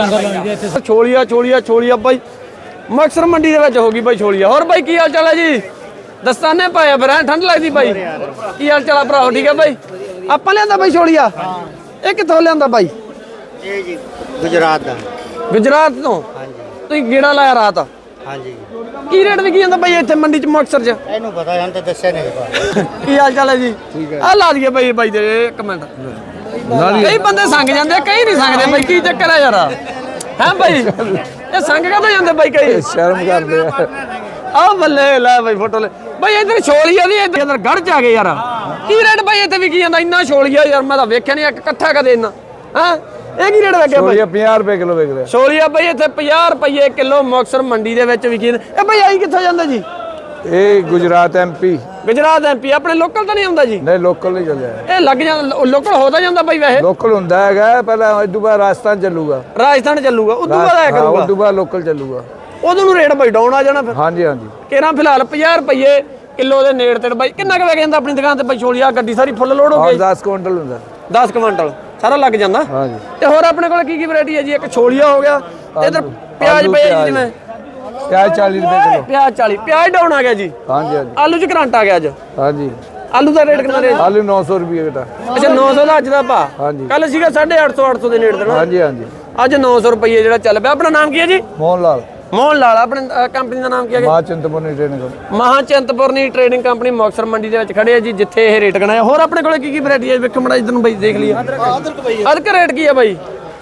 Speaker 1: ਛੋਲੀਆ ਛੋਲੀਆ ਛੋਲੀਆ ਬਾਈ ਮਕਸਰ ਮੰਡੀ ਦੇ ਵਿੱਚ ਹੋ ਗਈ ਬਾਈ ਛੋਲੀਆ। ਹੋਰ ਬਾਈ ਕੀ ਹਾਲ ਚਾਲ ਹੈ ਜੀ? ਦਸਤਾਨੇ ਪਾਇਆ ਫਿਰ ਐਂ ਠੰਡ ਲੱਗਦੀ ਬਾਈ। ਕੀ ਹਾਲ ਚਾਲ ਆ ਭਰਾਓ? ਠੀਕ ਹੈ ਬਾਈ। ਆਪਾਂ ਲਿਆਂਦਾ ਬਾਈ ਛੋਲੀਆ। ਇਹ ਕਿੱਥੋਂ ਲਿਆਂਦਾ ਬਾਈ?
Speaker 9: ਇਹ ਜੀ ਗੁਜਰਾਤ ਦਾ।
Speaker 1: ਗੁਜਰਾਤ ਤੋਂ?
Speaker 9: ਹਾਂਜੀ
Speaker 1: ਤੁਸੀਂ ਗੇੜਾ ਲਾਇਆ ਰਾਤ?
Speaker 9: ਹਾਂਜੀ
Speaker 1: ਕੀ ਰੇਟ ਵਿਕੀ ਜਾਂਦਾ ਬਾਈ ਇੱਥੇ ਮੰਡੀ ਚ ਮੁਕਤਸਰ ਚ?
Speaker 9: ਇਹਨੂੰ ਪਤਾ ਹਨ ਤਾਂ ਦੱਸਿਆ ਨਹੀਂ।
Speaker 1: ਕੀ ਹਾਲ ਚਾਲ ਹੈ ਜੀ? ਆ ਲਾ ਦਈਏ ਬਾਈ ਬਾਈ ਦੇ ਇੱਕ ਮਿੰਟ। ਕਈ ਬੰਦੇ ਸੰਗ ਜਾਂਦੇ ਕਈ ਨਹੀਂ ਸੰਗਦੇ ਬਾਈ ਕੀ ਚੱਕਰ ਹੈ ਯਾਰ? ਹੈ ਬਾਈ ਇਹ ਸੰਗ ਕਾਹਤੋਂ ਜਾਂਦੇ ਬਾਈ ਕਈ?
Speaker 2: ਸ਼ਰਮ ਕਰਦੇ ਆ।
Speaker 1: ਆ ਬੱਲੇ ਲੈ ਬਾਈ ਫੋਟੋ ਲੈ ਬਾਈ ਇਧਰ ਛੋਲੀਆ ਦੀ ਇਧਰ ਗੜ ਚ ਆ ਗਏ ਯਾਰ। ਕੀ ਰੇਟ ਬਾਈ ਇੱਥੇ ਵਿਕੀ ਜਾਂਦਾ ਇੰਨਾ ਛੋਲੀਆ ਯਾਰ? ਮੈਂ ਤਾਂ ਵੇਖਿਆ ਨਹੀਂ ਇਕੱਠਾ ਕਦੇ ਇੰਨਾ। ਹਾਂ ਇਹ ਕੀ ਰੇਟ ਵੇਖਿਆ ਬਾਈ?
Speaker 2: ਪੰਜਾਹ ਰੁਪਏ ਕਿਲੋ ਵਿਕ ਰਿਹਾ।
Speaker 1: ਛੋਲੀਆ ਬਾਈ ਇੱਥੇ ਪੰਜਾਹ ਰੁਪਏ ਕਿਲੋ ਮੁਕਤਸਰ ਮੰਡੀ ਦੇ ਵਿੱਚ ਵਿਕੀ ਜਾਂਦਾ। ਇਹ ਬਾਈ ਆਈ ਕਿੱਥੋਂ ਜਾਂਦਾ ਜੀ?
Speaker 2: ਇਹ ਗੁਜਰਾਤ ਐਮਪੀ
Speaker 1: ਗੁਜਰਾਤ ਐਮਪੀ ਆਪਣੇ ਲੋਕਲ ਤਾਂ ਨਹੀਂ ਆਉਂਦਾ ਜੀ?
Speaker 2: ਨਹੀਂ ਲੋਕਲ ਨਹੀਂ ਚੱਲਿਆ।
Speaker 1: ਇਹ ਲੱਗ ਜਾਂਦਾ ਲੋਕਲ ਹੋ ਤਾਂ ਜਾਂਦਾ ਬਾਈ ਵੈਸੇ?
Speaker 2: ਲੋਕਲ ਹੁੰਦਾ ਹੈਗਾ ਪਹਿਲਾਂ ਇਸ ਤੋਂ ਬਾਅਦ ਰਾਜਸਥਾਨ ਚੱਲੂਗਾ।
Speaker 1: ਰਾਜਸਥਾਨ ਚੱਲੂਗਾ ਉਦੋਂ ਬਾਅਦ ਆਇਆ
Speaker 2: ਹਾਂ,
Speaker 1: ਕਰੂਗਾ।
Speaker 2: ਉਸ ਤੋਂ ਬਾਅਦ ਲੋਕਲ ਚੱਲੂਗਾ।
Speaker 1: ਉਦੋਂ ਨੂੰ ਰੇਟ ਬਾਈ ਡਾਊਨ ਆ ਜਾਣਾ ਫਿਰ।
Speaker 2: ਹਾਂਜੀ ਹਾਂਜੀ
Speaker 1: ਕਿਹੜਾ ਫਿਲਹਾਲ ਪੰਜਾਹ ਰੁਪਏ ਕਿਲੋ ਦੇ ਨੇੜ ਤੇ ਬਾਈ ਕਿੰਨਾ ਕੁ ਵਿਕ ਜਾਂਦਾ ਆਪਣੀ ਦੁਕਾਨ ਤੇ ਬਾਈ ਛੋਲੀਆ? ਗੱਡੀ ਸਾਰੀ ਫੁੱਲ ਲੋਡ ਹੋ
Speaker 2: ਔਰ
Speaker 1: ਗਈ।
Speaker 2: ਦਸ ਕੁਇੰਟਲ ਹੁੰਦਾ।
Speaker 1: ਦਸ ਕੁਇੰਟਲ ਸਾਰਾ ਲੱਗ ਜਾਂਦਾ।
Speaker 2: ਹਾਂਜੀ
Speaker 1: ਤੇ ਹੋਰ ਆਪਣੇ ਕੋਲ ਕੀ ਕੀ ਵੈਰਾਈਟੀ ਹੈ ਜੀ? ਇੱਕ ਛੋਲੀਆ ਹੋ ਗਿਆ ਤੇ ਇਧਰ ਪਿਆਜ਼
Speaker 2: ਆਲੂ,
Speaker 1: ਪਏ ਜੀ
Speaker 2: ਪਿਆਜ਼।
Speaker 1: ਜਿਵੇਂ
Speaker 2: ਪਿਆਜ਼ ਚਾਲੀ ਰੁਪਏ ਕਿਲੋ।
Speaker 1: ਪਿਆਜ਼ ਚਾਲੀ। ਪਿਆਜ਼ ਡਾਊਨ ਆ ਗਿਆ ਜੀ।
Speaker 2: ਹਾਂਜੀ ਹਾਂਜੀ
Speaker 1: ਆਲੂ ਚ ਕਰੰਟ ਆ ਗਿਆ ਅੱਜ।
Speaker 2: ਹਾਂਜੀ
Speaker 1: ਆਲੂ ਦਾ ਰੇਟ ਕਿੰਨਾ ਰਿਹਾ?
Speaker 2: ਆਲੂ ਨੌ ਸੌ ਰੁਪਏ ਕਿਤਾ।
Speaker 1: ਅੱਛਾ ਨੌ ਸੌ ਦਾ ਅੱਜ ਦਾ ਭਾ।
Speaker 2: ਹਾਂਜੀ।
Speaker 1: ਕੱਲ ਸੀਗਾ ਸਾਢੇ ਅੱਠ ਸੌ ਅੱਠ ਸੌ ਦੇ ਨੇੜੇ ਤੇ ਨਾ।
Speaker 2: ਹਾਂਜੀ ਹਾਂਜੀ
Speaker 1: ਅੱਜ ਨੌ ਸੌ ਰੁਪਏ ਜਿਹੜਾ ਚੱਲ ਪਿਆ। ਆਪਣਾ ਨਾਮ ਕੀ ਹੈ ਜੀ?
Speaker 2: ਮੋਹਨ ਲਾਲ
Speaker 1: ਮੋਹਨ ਲਾਲ। ਆਪਣੇ ਕੰਪਨੀ ਦਾ ਨਾਮ ਕੀ ਹੈ?
Speaker 2: ਮਾਂ ਚਿੰਤਪੁਰਨੀ ਟ੍ਰੇਨਿੰਗ।
Speaker 1: ਮਹਾਚੰਤਪੁਰਨੀ ਟ੍ਰੇਡਿੰਗ ਕੰਪਨੀ ਮੁਕਤਸਰ ਮੰਡੀ ਦੇ ਵਿੱਚ ਖੜੇ ਆ ਜੀ ਜਿੱਥੇ ਇਹ ਰੇਟ ਗਣਾਇਆ। ਹੋਰ ਆਪਣੇ ਕੋਲੇ ਕੀ ਕੀ ਵੈਰਾਈਟੀ ਹੈ? ਵੇਖੋ ਮੜਾ ਇਧਰ ਨੂੰ ਬਾਈ ਦੇਖ ਲਈਏ। ਅਦਰਕ ਰੇਟ ਕੀ ਹੈ ਬਾਈ?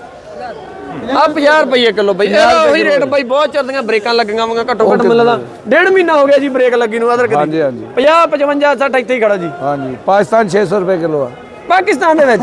Speaker 1: ਆ ਪੰਜਾਹ ਰੁਪਏ ਕਿਲੋ ਬਾਈ। ਇਹਦਾ ਉਹੀ ਰੇਟ ਬਾਈ ਬਹੁਤ ਚੱਲਦੀਆਂ ਬ੍ਰੇਕਾਂ ਲੱਗੀਆਂ ਵਾਂਗਾ ਘੱਟੋ ਘੱਟ ਮਿਲਦਾ ਡੇਢ ਮਹੀਨਾ ਹੋ ਗਿਆ ਜੀ ਬ੍ਰੇਕ ਲੱਗੀ ਨੂੰ ਅਦਰਕ ਦੀ।
Speaker 2: ਹਾਂਜੀ ਹਾਂਜੀ
Speaker 1: ਪੰਜਾਹ ਪਚਵੰਜਾ ਸੱਠ ਇੱਥੇ ਹੀ ਖੜਾ ਜੀ।
Speaker 2: ਹਾਂਜੀ ਪਾਕਿਸਤਾਨ ਛੇ ਸੌ ਰੁਪਏ ਕਿਲੋ ਆ।
Speaker 1: ਪਾਕਿਸਤਾਨ ਦੇ ਵਿੱਚ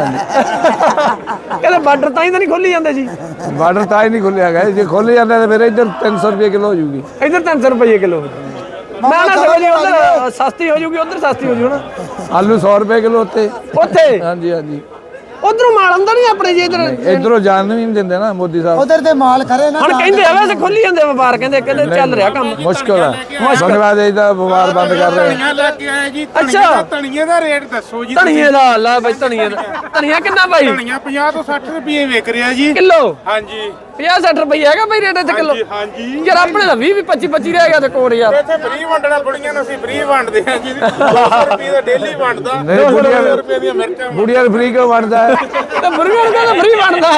Speaker 1: ਕਹਿੰਦੇ ਬਾਰਡਰ ਤਾਂ ਹੀ ਤਾਂ ਨਹੀਂ ਖੋਲੀ ਜਾਂਦੇ ਜੀ।
Speaker 2: ਬਾਰਡਰ ਤਾਂ ਹੀ ਨਹੀਂ ਖੁੱਲਿਆ ਗਿਆ। ਜੇ ਖੁੱਲ ਜਾਂਦਾ ਤਾਂ ਫਿਰ ਇੱਧਰ ਤਿੰਨ ਸੌ ਰੁਪਏ ਕਿਲੋ ਹੋ ਜੂਗੀ।
Speaker 1: ਇੱਧਰ ਤਿੰਨ ਸੌ ਰੁਪਏ ਕਿਲੋ। ਨਾ ਨਾ ਸਗੋਂ ਜੀ ਉਧਰ ਸਸਤੀ ਹੋ ਜੂਗੀ ਉਧਰ ਸਸਤੀ ਹੋ ਜੂ ਨਾ।
Speaker 2: ਆਲੂ ਸੌ ਰੁਪਏ ਕਿਲੋ ਉੱਤੇ।
Speaker 1: ਉੱਥੇ
Speaker 2: ਹਾਂਜੀ ਹਾਂਜੀ
Speaker 1: ਉਧਰੋਂ ਮਾਲ ਆਉਂਦਾ ਨਹੀਂ ਆਪਣੇ ਜੀ ਇੱਧਰ।
Speaker 2: ਇਧਰੋਂ ਜਾਣ ਵੀ ਨਹੀਂ ਦਿੰਦੇ ਨਾ ਮੋਦੀ ਸਾਹਿਬ।
Speaker 9: ਉਧਰ ਤੇ ਮਾਲ ਖਰੇ ਨਾ
Speaker 1: ਹੁਣ ਕਹਿੰਦੇ ਆ ਵੈਸੇ ਖੁੱਲੀ ਜਾਂਦੇ ਵਪਾਰ ਕਹਿੰਦੇ ਕਹਿੰਦੇ ਚੱਲ ਰਿਹਾ ਕੰਮ।
Speaker 2: ਮੁਸ਼ਕਲ ਹੈ। ਧੰਨਵਾਦ ਇਹਦਾ ਵਪਾਰ ਬੰਦ ਕਰ ਰਹੇ
Speaker 3: ਧਨੀਆ ਲੈ ਕੇ ਆਏ ਜੀ।
Speaker 1: ਅੱਛਾ।
Speaker 3: ਧਨੀਏ ਦਾ- ਧਨੀਏ ਦਾ ਰੇਟ ਦੱਸੋ ਜੀ?
Speaker 1: ਧਨੀਏ ਦਾ ਲਾ ਬਾਈ ਧਨੀਏ ਦਾ। ਧਨੀਆ ਕਿੰਨਾ ਬਾਈ?
Speaker 3: ਧਨੀਆ ਪੰਜਾਹ ਤੋਂ ਸੱਠ ਰੁਪਏ ਵਿਕ ਰਿਹਾ ਜੀ।
Speaker 1: ਕਿਲੋ?
Speaker 3: ਹਾਂਜੀ
Speaker 1: ਪੰਜਾਹ ਸੱਠ ਰੁਪਏ ਹੈਗਾ ਬਾਈ ਰੇਟ ਇੱਥੇ ਕਿਲੋ?
Speaker 3: ਹਾਂਜੀ
Speaker 1: ਯਾਰ ਆਪਣੇ ਦਾ ਵੀਹ ਵੀਹ ਪੱਚੀ ਪੱਚੀ ਰਹਿ ਗਿਆ ਤੇ ਕੋਲ ਯਾਰ।
Speaker 3: ਇੱਥੇ ਫ੍ਰੀ ਵੰਡਣਾ ਬੁੜੀਆਂ ਨੂੰ ਅਸੀਂ ਫ੍ਰੀ ਵੰਡਦੇ ਹਾਂ ਜੀ। ਦੋ ਸੌ ਰੁਪਏ ਦਾ ਡੇਲੀ ਵੰਡਦਾ।
Speaker 2: ਨਹੀਂ,
Speaker 3: ਦੋ ਸੌ
Speaker 2: ਬੁੜੀਆਂ-
Speaker 3: ਰੁਪਏ ਦੀਆਂ ਮਿਰਚਾਂ
Speaker 2: ਬੁੜੀਆਂ ਫ੍ਰੀ ਕਿਉਂ ਬਣਦਾ ਹੈ?
Speaker 1: ਤੇ ਮੁਰਗਾ ਨੂੰ ਕਹਿੰਦਾ ਫ੍ਰੀ ਬਣ ਬਣਦਾ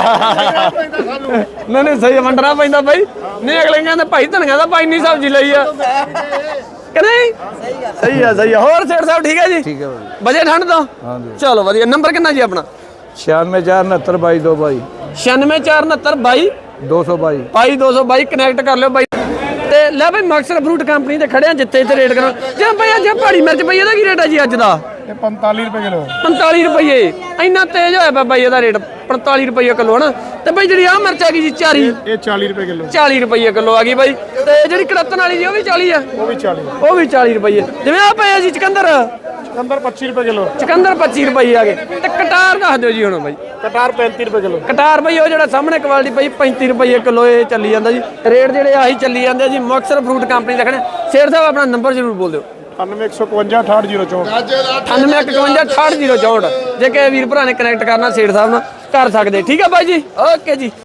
Speaker 1: ਨਹੀਂ ਨਹੀਂ ਸਹੀ ਵੰਡਣਾ ਪੈਂਦਾ ਬਾਈ ਨਹੀਂ ਅਗਲੇ ਕਹਿੰਦੇ ਭਾਈ ਧਨੀਆ ਦਾ ਭਾਈ ਨਹੀਂ ਸਬਜ਼ੀ ਲਈ ਆ ਕਿ ਨਹੀਂ ਸਹੀ ਆ ਸਹੀ ਆ ਹੋਰ ਸੇਠ ਸਾਹਿਬ ਠੀਕ ਹੈ ਜੀ ਠੀਕ ਹੈ ਵਜੇ ਠੰਡ ਤੋਂ ਹਾਂਜੀ ਚਲੋ ਵਧੀਆ ਨੰਬਰ ਕਿੰਨਾ ਜੀ ਆਪਣਾ
Speaker 4: ਛਿਆਨਵੇਂ ਚਾਰ ਉਨੱਤਰ ਬਾਈ ਦੋ ਬਾਈ
Speaker 1: ਛਿਆਨਵੇਂ ਚਾਰ ਉਨੱਤਰ ਬਾਈ
Speaker 4: ਦੋ ਸੌ ਬਾਈ
Speaker 1: ਬਾਈ ਦੋ ਸੌ ਬਾਈ ਕਨੈਕਟ ਕਰ ਲਿਓ ਬਾਈ ਤੇ ਲੈ ਬਾਈ ਮਕਸਰ ਫਰੂਟ ਕੰਪਨੀ ਤੇ ਖੜੇ ਆ ਜਿੱਥੇ ਇੱਥੇ ਰੇਟ ਕਰੋ ਜੇ ਭਾਈ ਅੱਜ ਪਹਾੜੀ ਮਿਰਚ ਪਈ ਇਹਦਾ ਕੀ ਰੇਟ ਆ ਜੀ ਅੱਜ ਦਾ
Speaker 4: ਇਹ ਪੰਤਾਲੀ ਰੁਪਏ ਕਿਲੋ
Speaker 1: ਪੰਤਾਲੀ ਰੁਪਏ ਇੰਨਾ ਤੇਜ਼ ਹੋਇਆ ਪਿਆ ਬਾਈ ਇਹਦਾ ਰੇਟ ਪੰਤਾਲੀ ਰੁਪਏ ਕਿਲੋ ਹਨਾ ਤੇ ਬਾਈ ਜਿਹੜੀ ਆ ਮਿਰਚ ਆ ਗਈ ਜੀ ਚਾਰੀ
Speaker 4: ਇਹ ਚਾਲੀ ਰੁਪਏ ਕਿਲੋ
Speaker 1: ਚਾਲੀ ਰੁਪਏ ਕਿਲੋ ਆ ਗਈ ਬਾਈ ਤੇ ਜਿਹੜੀ ਕੜਤਨ ਵਾਲੀ ਜੀ ਉਹ ਵੀ ਚਾਲੀ ਆ
Speaker 4: ਉਹ ਵੀ ਚਾਲੀ
Speaker 1: ਉਹ ਵੀ ਚਾਲੀ ਰੁਪਏ ਜਿਵੇਂ ਆ ਪਏ ਆ ਜੀ ਚਕੰਦਰ
Speaker 4: ਚਕੰਦਰ ਪੱਚੀ ਰੁਪਏ ਕਿਲੋ
Speaker 1: ਚਕੰਦਰ ਪੱਚੀ ਰੁਪਏ ਆ ਗਏ ਤੇ ਕਟਾਰ ਦੱਸ ਦਿਓ ਜੀ ਹੁਣ ਬਾਈ
Speaker 4: ਕਟਾਰ ਪੈਂਤੀ ਰੁਪਏ ਕਿਲੋ
Speaker 1: ਕਟਾਰ ਬਈ ਉਹ ਜਿਹੜਾ ਸਾਹਮਣੇ ਕੁਆਲਿਟੀ ਪਈ ਪੈਂਤੀ ਰੁਪਏ ਕਿਲੋ ਇਹ ਚੱਲੀ ਜਾਂਦਾ ਜੀ ਰੇਟ ਜਿਹੜੇ ਆਹੀ ਚੱਲੀ ਜਾਂਦੇ ਆ ਜੀ ਮੁਕਤਸਰ ਫਰੂਟ ਕੰਪਨੀ ਰੱਖਣੇ ਸ਼ੇਰ ਸਾਹਿਬ ਆਪਣਾ ਨੰਬਰ ਜ਼ਰੂਰ ਬੋਲ ਦਿਓ
Speaker 4: ਅਠਾਨਵੇਂ ਇੱਕ ਸੌ ਇਕਵੰਜਾ ਅਠਾਹਠ ਜ਼ੀਰੋ ਚੌਂਹਠ
Speaker 1: ਅਠਾਨਵੇਂ ਇੱਕ ਇਕਵੰਜਾ ਅਠਾਹਠ ਜ਼ੀਰੋ ਚੌਂਹਠ ਜੇ ਕਿ ਵੀਰ ਭਰਾ ਨੇ ਕਨੈਕਟ ਕਰਨਾ ਸੇਠ ਸਾਹਿਬ ਨਾਲ ਕਰ ਸਕਦੇ ਠੀਕ ਆ ਬਾਈ ਜੀ ਓਕੇ ਜੀ।